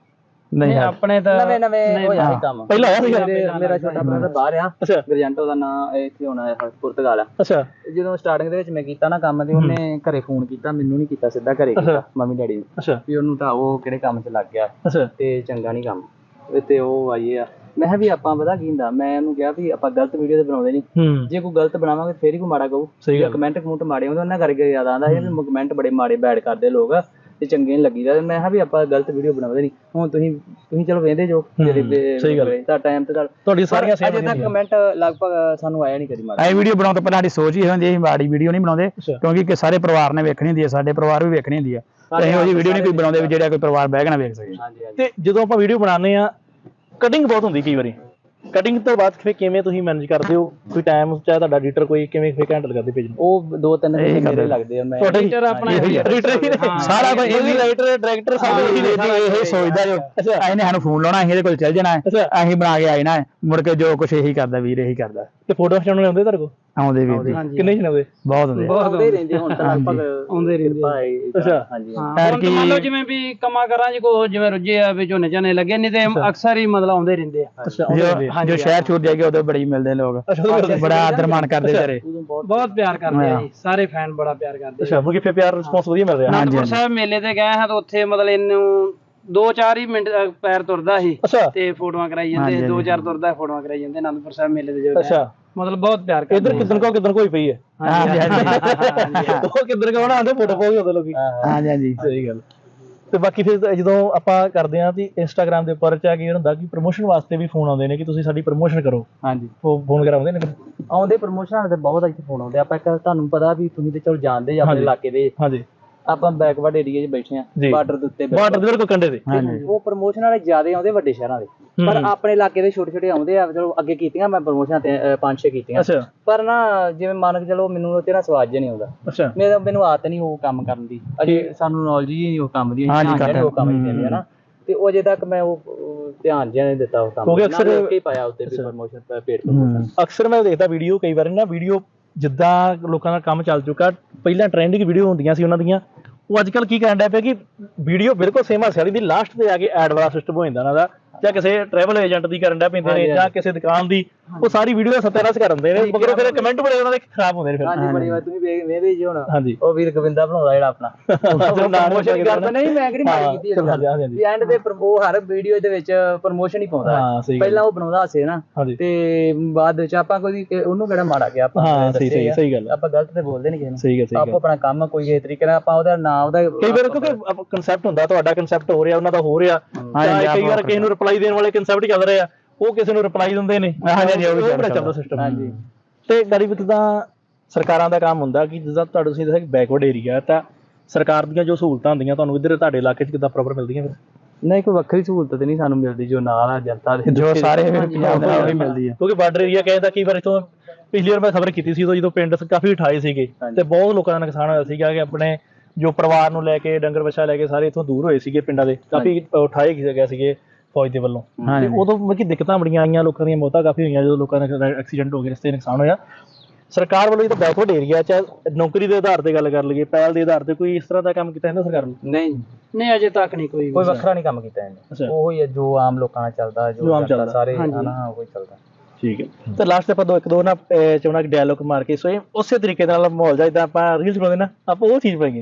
S3: ਨਹੀਂ
S4: ਆਪਣੇ ਤਾਂ
S1: ਨਵੇਂ ਨਵੇਂ ਹੋਇਆ ਸੀ ਕੰਮ
S2: ਪਹਿਲਾਂ ਹੋਇਆ ਸੀਗਾ?
S1: ਮੇਰੇ- ਮੇਰਾ ਛੋਟਾ ਭਰਾ ਤਾਂ ਬਾਹਰ ਆ
S2: ਅੱਛਾ
S1: ਗਰਜੈਂਟੋ ਦਾ ਨਾਂ ਇੱਥੇ ਹੋਣਾ ਹੈ ਪੁਰਤਗਾਲ ਆ।
S2: ਅੱਛਾ
S1: ਤੇ ਜਦੋਂ ਸਟਾਰਟਿੰਗ ਦੇ ਵਿੱਚ ਮੈਂ ਕੀਤਾ ਨਾ ਕੰਮ ਤੇ ਉਹਨੇ ਘਰੇ ਫੋਨ ਕੀਤਾ, ਮੈਨੂੰ ਨਹੀਂ ਕੀਤਾ, ਸਿੱਧਾ ਘਰੇ ਕੀਤਾ ਮੰਮੀ ਡੈਡੀ ਨੂੰ
S2: ਅੱਛਾ
S1: ਵੀ ਉਹਨੂੰ ਤਾਂ ਉਹ ਕਿਹੜੇ ਕੰਮ 'ਚ ਲੱਗ ਗਿਆ
S2: ਅੱਛਾ
S1: ਤੇ ਚੰਗਾ ਨਹੀਂ ਕੰਮ ਤੇ ਉਹ ਆਈਏ ਆ। ਮੈਂ ਕਿਹਾ ਵੀ ਆਪਾਂ ਪਤਾ ਕੀ ਹੁੰਦਾ, ਮੈਂ ਉਹਨੂੰ ਕਿਹਾ ਵੀ ਆਪਾਂ ਗਲਤ ਵੀਡੀਓ ਤੇ ਬਣਾਉਂਦੇ ਨਹੀਂ,
S2: ਹੂੰ
S1: ਜੇ ਕੋਈ ਗਲਤ ਬਣਾਵਾਂਗੇ ਫੇਰ ਹੀ ਕੋਈ ਮਾੜਾ ਕਹੂ।
S2: ਸਹੀ ਗੱਲ।
S1: ਕਮੈਂਟ ਕਮੂਟ ਮਾੜੇ ਹੁੰਦੇ ਉਹਨਾਂ ਕਰਕੇ ਯਾਦ ਆਉਂਦਾ ਇਹ ਵੀ ਕਮੈਂਟ ਬੜੇ ਮਾੜੇ ਬੈਡ ਕਰਦੇ ਲੋਕ ਤੇ ਚੰਗੇ ਨਹੀਂ ਲੱਗੀਦਾ। ਮੈਂ ਕਿਹਾ ਵੀ ਆਪਾਂ ਗਲਤ ਵੀਡੀਓ ਬਣਾਉਂਦੇ ਨਹੀਂ। ਹੁਣ ਤੁਸੀਂ ਤੁਸੀਂ ਚਲੋ ਵੇਖਦੇ ਜੋ
S2: ਸਹੀ ਗੱਲ।
S1: ਤਾਂ ਟਾਈਮ ਤੇ
S2: ਤੁਹਾਡੀ ਸਾਰੀਆਂ ਸੇਮ
S1: ਅਜੇ ਤੱਕ ਕਮੈਂਟ ਲਗਭਗ ਸਾਨੂੰ ਆਇਆ ਨਹੀਂ ਕਦੀ ਮਾੜਾ।
S3: ਇਹ ਵੀਡੀਓ ਬਣਾਉਣ ਤੋਂ ਪਹਿਲਾਂ ਸਾਡੀ ਸੋਚ ਹੀ ਇਹ ਹੁੰਦੀ ਹੈ ਅਸੀਂ ਮਾੜੀ ਵੀਡੀਓ ਨਹੀਂ ਬਣਾਉਂਦੇ, ਕਿਉਂਕਿ ਕਿ ਸਾਰੇ ਪਰਿਵਾਰ ਨੇ ਵੇਖਣੀ ਹੁੰਦੀ ਹੈ, ਸਾਡੇ ਪਰਿਵਾਰ ਵੀ ਵੇਖਣੀ ਹੁੰਦੀ ਹੈ। ਤੇ ਇਹੋ ਜਿਹੀ ਵੀਡੀਓ ਨਹੀਂ ਕੋਈ ਬਣਾਉਂਦੇ ਵੀ ਜਿਹੜਾ ਕੋਈ ਪਰਿਵਾਰ ਬਹਿ ਕੇ ਨਾ ਵੇਖ ਸਕੇ।
S1: ਹਾਂਜੀ ਹਾਂਜੀ
S2: ਤੇ ਜਦੋਂ ਆਪਾਂ ਵੀਡੀਓ ਬਣਾਉਂਦੇ ਆ ਕਟਿੰਗ ਬਹੁਤ ਹੁੰਦੀ ਕਈ ਵਾਰੀ, ਕਟਿੰਗ ਤੋਂ ਬਾਅਦ ਫਿਰ ਕਿਵੇਂ ਤੁਸੀਂ ਮੈਨੇਜ ਕਰਦੇ ਹੋ? ਕੋਈ ਟਾਈਮ ਚਾਹੇ ਤੁਹਾਡਾ ਐਡੀਟਰ ਕੋਈ ਕਿਵੇਂ ਫਿਰ ਹੈਂਡਲ ਕਰਦੇ ਪੇਜ ਨੂੰ?
S1: ਉਹ ਦੋ ਤਿੰਨ ਘੰਟੇ ਮੇਰੇ ਲੱਗਦੇ ਆ। ਮੈਂ
S2: ਤੁਹਾਡੇ
S4: ਐਡੀਟਰ ਆਪਣਾ ਇਹੀ ਹੈ।
S3: ਸਾਰਾ ਕੁਝ ਇਹ ਵੀ
S2: ਰਾਈਟਰ ਡਾਇਰੈਕਟਰ ਸਾਰੇ ਇਹੀ ਨੇ।
S3: ਇਹ ਸੋਚਦਾ ਜੋ ਇਹਨੇ ਸਾਨੂੰ ਫੋਨ ਲਾਉਣਾ, ਅਸੀਂ ਇਹਦੇ ਕੋਲ ਚੱਲ ਜਾਣਾ, ਅਸੀਂ ਬਣਾ ਕੇ ਆ ਜਾਣਾ, ਮੁੜ ਕੇ ਜੋ ਕੁਝ ਇਹੀ ਕਰਦਾ ਵੀਰ ਇਹੀ ਕਰਦਾ।
S2: ਤੇ ਫੋਟੋ ਖਿਚਾਉਣ ਆਉਂਦੇ ਤੁਹਾਡੇ ਕੋਲ?
S3: ਆਉਂਦੇ ਵੀਰ
S2: ਕਿੰਨੇ ਜਣੇ ਆਉਂਦੇ?
S3: ਬਹੁਤ ਹੁੰਦੇ
S4: ਬਹੁਤ
S1: ਆਉਂਦੇ ਹੀ ਰਹਿੰਦੇ ਹੁਣ ਤਾਂ ਲਗਭਗ
S4: ਆਉਂਦੇ ਰਹਿੰਦੇ ਆ।
S1: ਭਾਈ
S2: ਅੱਛਾ
S1: ਹਾਂਜੀ
S4: ਹਾਂ ਹੁਣ ਤਾਂ ਮੰਨ ਲਓ ਜਿਵੇਂ ਵੀ ਕੰਮਾਂ ਕਰਾਂ ਜੀ ਕੋ ਜਿਵੇਂ ਰੁੱਝੇ ਆ ਵੀ ਝੋਨੇ ਝਾਨੇ ਲੱਗੇ ਨਹੀਂ ਤੇ ਅਕਸਰ ਹੀ ਮਤਲਬ ਆਉਂਦੇ ਰਹਿੰਦੇ ਆ।
S2: ਅੱਛਾ
S3: ਜੋ ਜੋ ਸ਼ਹਿਰ ਛੂਟ ਜਾਏਗਾ ਉਦੋਂ ਬੜੀ ਮਿਲਦੇ ਲੋਕ, ਬੜਾ ਆਦਰ ਮਾਣ ਕਰਦੇ ਵਿਚਾਰੇ।
S4: ਬਹੁਤ ਪਿਆਰ ਕਰਦੇ ਆ ਜੀ, ਸਾਰੇ ਫੈਨ ਬੜਾ ਪਿਆਰ ਕਰਦੇ ਆ।
S2: ਅੱਛਾ ਮੁਕੀ ਫਿਰ ਪਿਆਰ ਰਿਸਪੌਂਸ ਵਧੀਆ ਮਿਲ ਰਿਹਾ?
S4: ਅਨੰਦਪੁਰ ਸਾਹਿਬ ਮੇਲੇ ਤੇ ਗਏ ਹਾਂ ਤਾਂ ਉੱਥੇ ਮਤਲਬ ਇਹਨੂੰ ਦੋ ਚਾਰ ਹੀ ਮਿੰਟ ਅ, ਪੈਰ ਤੁਰਦਾ ਸੀ
S2: ਅੱਛਾ
S4: ਤੇ ਫੋਟੋਆਂ ਕਰਾਈ ਜਾਂਦੇ, ਦੋ ਚਾਰ ਤੁਰਦਾ ਫੋਟੋਆਂ ਕਰਾਈ ਜਾਂਦੇ ਅਨੰਦਪੁਰ ਸਾਹਿਬ ਮੇਲੇ ਤੇ ਜਦੋਂ
S2: ਅੱਛਾ
S4: ਮਤਲਬ ਬਹੁਤ ਪਿਆਰ ਕਰਦੇ
S2: ਇਧਰ ਕਿਦਨ ਕੋ ਕਿਦਨ ਕੋਈ ਪਈ ਹੈ?
S3: ਹਾਂਜੀ ਹਾਂਜੀ
S2: ਉਹ ਕਿਦਨ ਕੋ ਬਣਾਉਂਦੇ ਫੋਟੋ ਪਾਉਗੇ ਉਹਦੇ ਲੋਕੀ।
S3: ਹਾਂਜੀ ਹਾਂਜੀ
S2: ਸਹੀ ਗੱਲ। ਤੇ ਬਾਕੀ ਫਿਰ ਜਦੋਂ ਆਪਾਂ ਕਰਦੇ ਆਂ ਤੇ ਇੰਸਟਾਗ੍ਰਾਮ ਦੇ ਉੱਪਰ ਚਾ ਕੀ ਹੁੰਦਾ ਕਿ ਪ੍ਰਮੋਸ਼ਨ ਵਾਸਤੇ ਵੀ ਫੋਨ ਆਉਂਦੇ ਨੇ ਕਿ ਤੁਸੀਂ ਸਾਡੀ ਪ੍ਰਮੋਸ਼ਨ ਕਰੋ,
S1: ਹਾਂਜੀ
S2: ਉਹ ਫੋਨ ਵਗੈਰਾ ਆਉਂਦੇ ਨੇ?
S1: ਆਉਂਦੇ ਪ੍ਰਮੋਸ਼ਨਾਂ ਦੇ ਬਹੁਤ ਇੱਥੇ ਫੋਨ ਆਉਂਦੇ। ਆਪਾਂ ਇੱਕ ਤੁਹਾਨੂੰ ਪਤਾ ਵੀ ਤੁਸੀਂ ਤੇ ਚਲੋ ਜਾਣਦੇ ਜੀ ਆਪਣੇ ਇਲਾਕੇ ਦੇ,
S2: ਹਾਂਜੀ
S1: ਆਪਾਂ ਬੈਕਵਰਡ ਏਰੀਆ 'ਚ ਬੈਠੇ ਆ
S2: ਜੀ।
S1: ਬਾਰਡਰ ਦੇ ਉੱਤੇ ਬੈਠੇ।
S2: ਬਾਰਡਰ ਦੇ ਬਿਲਕੁਲ ਕੰਢੇ ਤੇ।
S3: ਹਾਂਜੀ
S1: ਉਹ ਪ੍ਰਮੋਸ਼ਨ ਵਾਲੇ ਜ਼ਿਆਦਾ ਆਉਂਦੇ ਵੱਡੇ ਸ਼ਹਿਰਾਂ ਦੇ, ਪਰ ਆਪਣੇ ਇਲਾਕੇ ਦੇ ਛੋਟੇ ਛੋਟੇ ਆਉਂਦੇ ਆ। ਚਲੋ ਅੱਗੇ ਕੀਤੀਆਂ ਮੈਂ ਪ੍ਰਮੋਸ਼ਨਾਂ ਤੇ ਅ, ਪੰਜ ਛੇ ਕੀਤੀਆਂ,
S2: ਅੱਛਾ
S1: ਪਰ ਨਾ ਜਿਵੇਂ ਮੰਨ ਕੇ ਚਲੋ ਮੈਨੂੰ ਉਹ ਤੇਰਾ ਸਵਾਦ ਜਿਹਾ ਨਹੀਂ ਆਉਂਦਾ।
S2: ਅੱਛਾ
S1: ਮੇਰਾ ਮੈਨੂੰ ਆਦਤ ਨਹੀਂ ਉਹ ਕੰਮ ਕਰਨ ਦੀ, ਅਜੇ ਸਾਨੂੰ ਨੌਲੇਜ ਹੀ ਨਹੀਂ ਉਹ ਕੰਮ ਦੀ,
S3: ਹਾਂਜੀ,
S1: ਅਸੀਂ ਉਹ ਕੰਮ ਨਹੀਂ ਦਿੰਦੇ ਹਨਾ। ਤੇ ਉਹ ਅਜੇ ਤੱਕ ਮੈਂ ਉਹ ਉਹ ਧਿਆਨ ਜਿਹਾ ਨਹੀਂ ਦਿੱਤਾ ਉਹ ਕੰਮ,
S2: ਕਿਉਂਕਿ ਅਕਸਰ-
S1: ਨਾ ਲਿਖ ਕੇ ਪਾਇਆ ਉੱਤੇ ਵੀ ਪ੍ਰਮੋਸ਼ਨ ਪੇਡ ਪ੍ਰਮੋਸ਼ਨ।
S2: ਅਕਸਰ ਮੈਂ ਦੇਖਦਾ ਵੀਡੀਓ ਕਈ ਵਾਰ ਨਾ ਵੀਡੀਓ ਜਿੱਦਾਂ ਲੋਕਾਂ ਦਾ ਕੰਮ ਚੱਲ ਚੁੱਕਾ, ਪਹਿਲਾਂ ਟ੍ਰੈਂਡਿੰਗ ਵੀਡੀਓ ਹੁੰਦੀਆਂ ਸੀ ਉਹਨਾਂ ਦੀਆਂ, ਉਹ ਅੱਜ ਕੱਲ ਕੀ ਕਰਨ ਡਿਆ ਪਿਆ ਕਿ ਵੀਡੀਓ ਬਿਲਕੁਲ ਸੇਮ ਹਾਸੇ ਵਾਲੀ ਦੀ ਲਾਸਟ ਤੇ ਆ ਕੇ ਐਡ ਵਾਲਾ ਸਿਸਟਮ ਹੋ ਜਾਂਦਾ ਉਹਨਾਂ ਦਾ, ਜਾਂ ਕਿਸੇ ਟਰੈਵਲ ਏਜੰਟ ਦੀ ਕਰਨ ਡਿਆ ਪੈਂਦੇ ਨੇ ਜਾਂ ਕਿਸੇ ਦੁਕਾਨ ਦੀ, ਉਹ ਸਾਰੀ ਵੀਡੀਓ ਦਾ ਸਤਿਆਨਾਸ਼ ਕਰ ਦਿੰਦੇ ਨੇ, ਮਗਰੋਂ ਫਿਰ ਕਮੈਂਟ ਬੜੇ ਉਹਨਾਂ ਦੇ ਖਰਾਬ ਹੁੰਦੇ ਨੇ ਫਿਰ।
S1: ਹਾਂਜੀ ਬੜੀ ਵਾਰ ਤੁਸੀਂ ਵੇਖ ਵੇਖਦੇ ਜੀ ਹੁਣ
S2: ਹਾਂਜੀ
S1: ਉਹ ਵੀਰ ਗੋਬਿੰਦਾ ਬਣਾਉਂਦਾ ਜਿਹੜਾ ਆਪਣਾ ਪ੍ਰਮੋਸ਼ਨ ਕਰਦਾ। ਨਹੀਂ ਮੈਂ ਕਿਹੜੀ ਮਾਰੀ ਕੀਤੀ
S2: ਹਾਂ, ਹਾਂਜੀ, ਹਾਂਜੀ।
S1: ਵੀ ਐਂਡ ਤੇ ਉਹ ਹਰ ਵੀਡੀਓ ਦੇ ਵਿੱਚ ਪ੍ਰਮੋਸ਼ਨ ਹੀ ਪਾਉਂਦਾ
S2: ਹਾਂ, ਸਹੀ ਗੱਲ।
S1: ਪਹਿਲਾਂ ਉਹ ਬਣਾਉਂਦਾ ਹੱਸੇ ਨਾ,
S2: ਹਾਂਜੀ।
S1: ਤੇ ਬਾਅਦ ਵਿੱਚ ਆਪਾਂ ਕੋਈ ਉਹਨੂੰ ਕਿਹੜਾ ਮਾੜਾ ਗਿਆ ਆਪਾਂ
S2: ਹਾਂ ਸਹੀ ਸਹੀ ਸਹੀ ਗੱਲ,
S1: ਆਪਾਂ ਗਲਤ ਤੇ ਬੋਲਦੇ ਨਹੀਂ ਕਿਸੇ ਨੂੰ।
S2: ਸਹੀ ਗੱਲ ਸਹੀ
S1: ਆਪੋ
S2: ਗੱਲ।
S1: ਆਪਣਾ ਕੰਮ ਕੋਈ ਇਸ ਤਰੀਕੇ ਨਾਲ ਆਪਾਂ ਉਹਦਾ ਨਾਮ ਉਹਦਾ
S2: ਕਈ ਵਾਰ ਕਿਉਂਕਿ ਕਨਸੈਪਟ ਹੁੰਦਾ, ਤੁਹਾਡਾ ਕਨਸੈਪਟ ਹੋ ਰਿਹਾ, ਉਹਨਾਂ ਦਾ ਹੋ ਰਿਹਾ, ਜਾਂ ਕਈ ਵਾਰ ਕਿਸੇ ਨੂੰ ਰਿਪਲਾਈ ਦੇਣ ਵਾਲੇ ਕਨਸੈਪਟ ਚੱਲ ਰਹੇ ਆ, ਉਹ ਕਿਸੇ ਨੂੰ ਰਿਪਲਾਈ ਦਿੰਦੇ ਨੇ।
S3: ਹਾਂਜੀ, ਹਾਂਜੀ, ਉਹ ਵੀ
S2: ਉਹ ਬੜਾ
S3: ਚੱਲਦਾ
S2: ਚੱਲਦਾ ਸਿਸਟਮ।
S1: ਹਾਂਜੀ।
S2: ਤੇ ਗਾੜੀ ਵਿੱਚ ਤਾਂ ਸਰਕਾਰਾਂ ਦਾ ਕੰਮ ਹੁੰਦਾ ਕਿ ਜਿੱਦਾਂ ਤੁਹਾਨੂੰ ਤੁਸੀਂ ਦੱਸਿਆ ਕਿ ਬੈਕਵਰਡ ਏਰੀਆ, ਤਾਂ ਸਰਕਾਰ ਦੀਆਂ ਜੋ ਸਹੂਲਤਾਂ ਹੁੰਦੀਆਂ ਤੁਹਾਨੂੰ ਇੱਧਰ ਤੁਹਾਡੇ ਇਲਾਕੇ 'ਚ ਕਿੱਦਾਂ ਪ੍ਰੋਪਰ ਮਿਲਦੀਆਂ ਫਿਰ?
S1: ਨਹੀਂ ਕੋਈ ਵੱਖਰੀ ਸਹੂਲਤ ਤੇ ਨਹੀਂ ਸਾਨੂੰ ਮਿਲਦੀ ਜੋ ਨਾਲ ਆ ਜਨਤਾ ਦੇ
S3: ਜੋ ਸਾਰੇ ਪੰਜਾਬ ਦੇ ਉਹੀ ਮਿਲਦੀ ਹੈ।
S2: ਕਿਉਂਕਿ ਬਾਰਡਰ ਏਰੀਆ ਕਹਿੰਦਾ ਕਈ ਵਾਰ ਇੱਥੋਂ ਪਿਛਲੀ ਵਾਰ ਮੈਂ ਖਬਰ ਕੀਤੀ ਸੀ ਉਦੋਂ ਜਦੋਂ ਪਿੰਡ ਕਾਫੀ ਉਠਾਏ ਸੀਗੇ ਤੇ ਬਹੁਤ ਲੋਕਾਂ ਦਾ ਨੁਕਸਾਨ ਹੋਇਆ ਸੀਗਾ ਕਿ ਆਪਣੇ ਜੋ ਪਰਿਵਾਰ ਨੂੰ ਲੈ ਕੇ ਡੰਗਰ ਵੱਛਾ ਲੈ ਕੇ ਸਾਰੇ ਇੱਥੋਂ ਦੂਰ ਹੋਏ ਸੀਗੇ, ਪਿੰਡਾਂ ਦੇ ਕਾਫੀ ਉਠਾਏ ਗਏ ਸੀਗੇ ਫੌਜ ਦੇ ਵੱਲੋਂ। ਤੇ ਉਦੋਂ ਮਤਲਬ ਕਿ ਦਿੱਕਤਾਂ ਬੜੀਆਂ ਆਈਆਂ, ਲੋਕਾਂ ਦੀਆਂ ਮੌਤਾਂ ਕਾਫੀ ਹੋਈਆਂ ਜਦੋਂ ਲੋਕਾਂ ਦਾ ਐਕਸੀਡੈਂਟ ਹੋ ਗਏ, ਰਸਤੇ ਨੁਕਸਾਨ ਹੋਇਆ। ਸਰਕਾਰ ਵੱਲੋਂ ਇਹ ਤਾਂ ਬੈਕਵਰਡ ਏਰੀਆ ਚਾਹੇ ਨੌਕਰੀ ਦੇ ਆਧਾਰ ਤੇ ਗੱਲ ਕਰ ਲਈਏ, ਪਹਿਲ ਦੇ ਆਧਾਰ ਤੇ ਕੋਈ ਇਸ ਤਰ੍ਹਾਂ ਦਾ ਕੰਮ ਕੀਤਾ ਇਹਨਾਂ ਸਰਕਾਰ ਨੇ?
S1: ਨਹੀਂ
S4: ਨਹੀਂ ਅਜੇ ਤੱਕ ਨਹੀਂ ਕੋਈ
S1: ਕੋਈ ਵੱਖਰਾ ਨਹੀਂ ਕੰਮ ਕੀਤਾ ਇਹਨੇ, ਉਹ ਹੀ ਹੈ ਜੋ ਆਮ ਲੋਕਾਂ ਨਾਲ ਚੱਲਦਾ,
S2: ਜੋ
S1: ਜੋ
S2: ਆਮ ਚੱਲਦਾ
S1: ਸਾਰੇ ਹਨਾ ਉਹ ਹੀ ਚੱਲਦਾ।
S2: ਠੀਕ ਹੈ। ਤੇ ਲਾਸਟ ਤੇ ਆਪਾਂ ਦੋ ਇੱਕ ਦੋ ਨਾ ਚਾਹੁੰਦਾ ਕਿ ਡਾਇਲੋਗ ਮਾਰ ਕੇ ਸੋ ਉਸੇ ਤਰੀਕੇ ਨਾਲ ਮਾਹੌਲ ਜਿਹਾ ਜਿੱਦਾਂ ਆਪਾਂ ਰੀਲਸ ਬਣਾਉਂਦੇ ਨਾ, ਆਪਾਂ ਉਹ ਚੀਜ਼ ਪਾਈਏ।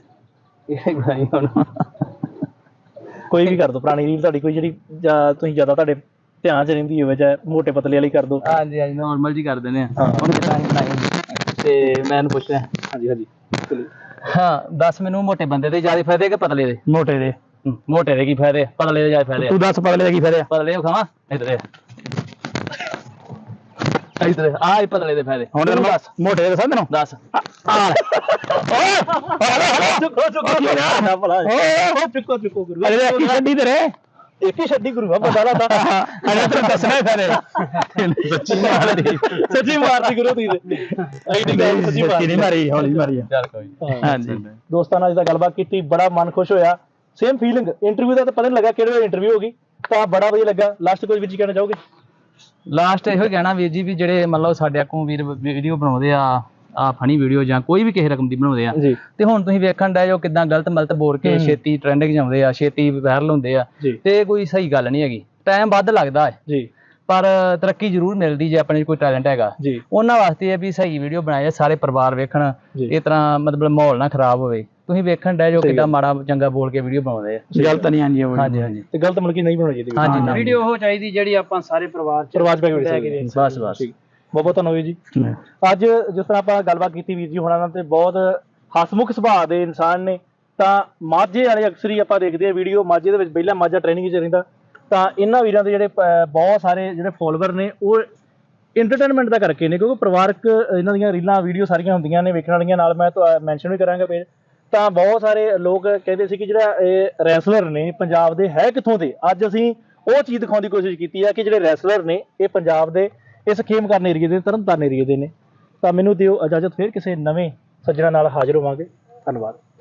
S1: ਇਹ ਗਾਈ ਹੁਣ
S2: ਕੋਈ ਵੀ ਕਰ ਦੋ, ਪੁਰਾਣੀ ਰੀਲ ਤੁਹਾਡੀ ਕੋਈ ਜਿਹੜੀ ਜਾਂ ਤੁਸੀਂ ਜ਼ਿਆਦਾ ਤੁਹਾਡੇ ਧਿਆਨ 'ਚ ਰਹਿੰਦੀ ਹੋਵੇ, ਚਾਹੇ ਮੋਟੇ ਪਤਲੇ ਵਾਲੀ ਕਰ ਦੋ।
S1: ਹਾਂਜੀ ਹਾਂਜੀ ਨਾਰਮਲ ਜੀ ਕਰ ਦਿੰਦੇ ਆ ਹੁਣ ਕਿਦਾਂ ਹੀ ਬਣਾਈ। ਤੇ ਮੈਂ ਇਹਨੂੰ ਪੁੱਛਿਆ,
S2: ਹਾਂਜੀ ਹਾਂਜੀ
S1: ਹਾਂ ਦੱਸ ਮੈਨੂੰ ਮੋਟੇ ਬੰਦੇ ਦੇ ਜ਼ਿਆਦਾ ਫਾਇਦੇ ਕਿ ਪਤਲੇ ਦੇ?
S3: ਮੋਟੇ ਦੇ।
S1: ਮੋਟੇ ਦੇ ਕੀ ਫਾਇਦੇ, ਪਤਲੇ ਦੇ ਜ਼ਿਆਦਾ ਫਾਇਦੇ?
S3: ਤੂੰ ਦੱਸ ਪਤਲੇ ਦਾ ਕੀ ਫਾਇਦਾ?
S1: ਪਤਲੇ ਉਹ ਖਾਵਾਂ ਇਧਰ ਇਧਰ ਆ ਹੀ ਪਤਲੇ ਦੇ ਫਾਇਦੇ
S3: ਹੁਣ ਤੈਨੂੰ ਦੱਸ ਮੋਟੇ ਦੇ ਦੱਸਾਂ ਤੈਨੂੰ?
S1: ਦੱਸ।
S2: ਚੁੱਕੋ ਚੁੱਕੋ ਨਾ ਭਲਾ ਓ ਚੁੱਕੋ ਚੁੱਕੋ ਗੁਰੂ
S3: ਅਰੇ ਕੀ ਛੱਡੀ ਤੇਰੇ
S2: ਇੱਕ ਹੀ ਛੱਡੀ ਗੁਰੂ ਬੰਦਾ ਲਾ ਤਾ
S3: ਅਰੇ ਤੈਨੂੰ ਦੱਸਣਾ ਹੀ ਫਾਇਦੇ
S2: ਸੱਚੀ ਮਾਰਦੀ ਸੱਚੀ ਮਾਰਦੀ ਗੁਰੂ ਦੀ ਐਡੀ ਗੱਲ ਸੱਚੀ
S3: ਸੱਚੀ ਨਹੀਂ ਮਾਰੀ, ਹੌਲੀ ਮਾਰੀ ਆ।
S1: ਚੱਲ ਕੋਈ
S3: ਹਾਂਜੀ
S2: ਦੋਸਤਾਂ ਨਾਲ ਜਿੱਦਾਂ ਗੱਲਬਾਤ ਕੀਤੀ, ਬੜਾ ਮਨ ਖੁਸ਼ ਹੋਇਆ। ਸੇਮ ਫੀਲਿੰਗ ਇੰਟਰਵਿਊ ਦਾ ਤਾਂ ਪਤਾ ਨਹੀਂ ਲੱਗਾ ਕਿਹੜੇ ਵੇਲੇ ਇੰਟਰਵਿਊ ਹੋ ਗਈ, ਤਾਂ ਬੜਾ ਵਧੀਆ ਲੱਗਾ। ਲਾਸਟ ਕੋਈ ਵੀ ਚੀਜ਼ ਕਹਿਣਾ ਚਾਹੋਗੇ?
S1: ਲਾਸਟ ਇਹੋ ਹੀ ਕਹਿਣਾ ਵੀਰ ਜੀ ਵੀ ਜਿਹੜੇ ਮੰਨ ਲਓ ਸਾਡੇ ਕੋਲ ਵੀਰ ਵੀਡੀਓ ਬਣਾਉਂਦੇ ਆ ਆ ਫਨੀ ਵੀਡੀਓ ਜਾਂ ਕੋਈ ਵੀ ਕਿਸੇ ਰਕਮ ਦੀ ਬਣਾਉਂਦੇ ਆ
S2: ਜੀ
S1: ਤੇ ਹੁਣ ਤੁਸੀਂ ਵੇਖਣ ਡਏ ਜੋ ਕਿਦਾਂ ਗਲਤ ਮਲਤ ਬੋਲ ਕੇ ਛੇਤੀ ਟ੍ਰੈਂਡਿੰਗ ਜਾਂਦੇ ਆ, ਛੇਤੀ ਵਾਇਰਲ ਹੁੰਦੇ ਆ,
S2: ਜੀ
S1: ਤੇ ਕੋਈ ਸਹੀ ਗੱਲ ਨਹੀਂ ਹੈਗੀ। ਟਾਈਮ ਵੱਧ ਲੱਗਦਾ ਹੈ
S2: ਜੀ
S1: ਪਰ ਤਰੱਕੀ ਜ਼ਰੂਰ ਮਿਲਦੀ ਜੇ ਆਪਣੇ 'ਚ ਕੋਈ ਟੈਲੈਂਟ ਹੈਗਾ।
S2: ਜੀ
S1: ਉਹਨਾਂ ਵਾਸਤੇ ਇਹ ਵੀ ਸਹੀ ਵੀਡੀਓ ਬਣਾਏ ਸਾਰੇ ਪਰਿਵਾਰ ਵੇਖਣ,
S2: ਜੀ।
S1: ਇਸ ਤਰ੍ਹਾਂ ਮਤਲਬ ਮਾਹੌਲ ਨਾ ਖਰਾਬ ਹੋਵੇ। ਤੁਸੀਂ ਵੇਖਣ ਡਏ ਜੋ
S2: ਸਹੀ
S1: ਕਿਦਾਂ
S2: ਗੱਲ।
S1: ਮਾੜਾ ਚੰਗਾ ਬੋਲ ਕੇ ਵੀਡੀਓ ਬਣਾਉਂਦੇ ਆ।
S3: ਗਲਤ ਨਹੀਂ ਹਾਂਜੀ ਉਹ
S1: ਹਾਂਜੀ ਹਾਂਜੀ
S2: ਤੇ ਗਲਤ ਮਤਲਬ ਕਿ ਨਹੀਂ ਬਣਾਉਣੀ ਚਾਹੀਦੀ
S1: ਹਾਂਜੀ ਹਾਂਜੀ
S4: ਵੀਡੀਓ ਉਹ ਚਾਹੀਦੀ ਜਿਹੜੀ ਆਪਾਂ ਸਾਰੇ ਪਰਿਵਾਰ ਚ
S2: ਪਰਿਵਾਰ ਚ ਬੈ ਕੇ
S4: ਬਹਿ
S2: ਵੇਖ
S4: ਵੇਖ
S2: ਸਕਦੇ ਹਾਂ।
S1: ਬਸ ਬਸ
S2: ਠੀਕ ਬਹੁਤ ਬਹੁਤ ਧੰਨਵਾਦ ਜੀ। ਅੱਜ ਜਿਸ ਤਰ੍ਹਾਂ ਆਪਾਂ ਗੱਲਬਾਤ ਕੀਤੀ ਵੀਰ ਜੀ ਹੁਣਾਂ ਨਾਲ ਤੇ ਬਹੁਤ ਹਸਮੁਖ ਸੁਭਾਅ ਦੇ ਇਨਸਾਨ ਨੇ। ਤਾਂ ਮਾਝੇ ਵਾਲੇ ਅਕਸਰ ਹੀ ਆਪਾਂ ਦੇਖਦੇ ਆ ਵੀਡੀਓ, ਮਾਝੇ ਦੇ ਵਿੱਚ ਪਹਿਲਾਂ ਮਾਝਾ ਟ੍ਰੇਨਿੰਗ 'ਚ ਰਹਿੰਦਾ, ਤਾਂ ਇਹਨਾਂ ਵੀਰਾਂ ਦੇ ਜਿਹੜੇ ਪ- ਬਹੁਤ ਸਾਰੇ ਜਿਹੜੇ ਫੋਲੋਵਰ ਨੇ ਉਹ ਇੰਟਰਟੇਨਮੈਂਟ ਦਾ ਕਰਕੇ ਨੇ, ਕਿਉਂਕਿ ਪਰਿਵਾਰਕ ਇਹਨਾਂ ਦੀਆਂ ਰੀਲਾਂ ਵੀਡੀਓ ਸਾਰੀਆਂ ਹੁੰਦੀਆਂ ਨੇ ਵੇਖਣ ਵਾਲੀਆਂ। ਨਾਲ ਮੈਂ ਮੈਂਸ਼ਨ ਵੀ ਕਰਾਂਗਾ ਪੇਜ। ਤਾਂ ਬਹੁਤ ਸਾਰੇ ਲੋਕ ਕਹਿੰਦੇ ਸੀ ਕਿ ਜਿਹੜਾ ਇਹ ਰੈਸਲਰ ਨੇ ਪੰਜਾਬ ਦੇ ਹੈ ਕਿੱਥੋਂ ਦੇ। ਅੱਜ ਅਸੀਂ ਉਹ ਚੀਜ਼ ਦਿਖਾਉਣ ਦੀ ਕੋਸ਼ਿਸ਼ ਕੀਤੀ ਹੈ ਕਿ ਜਿਹੜੇ ਰੈਸਲਰ ਨੇ ਇਹ ਪੰਜਾਬ ਦੇ ਇਸ ਖੇਮਕਰਨ ਏਰੀਏ ਦੇ, ਤਰਨਤਾਰਨ ਏਰੀਏ ਦੇ ਨੇ। ਤਾਂ ਮੈਨੂੰ ਦਿਓ ਇਜਾਜ਼ਤ, ਫਿਰ ਕਿਸੇ ਨਵੇਂ ਸੱਜਣਾ ਨਾਲ ਹਾਜ਼ਰ ਹੋਵਾਂਗੇ। ਧੰਨਵਾਦ।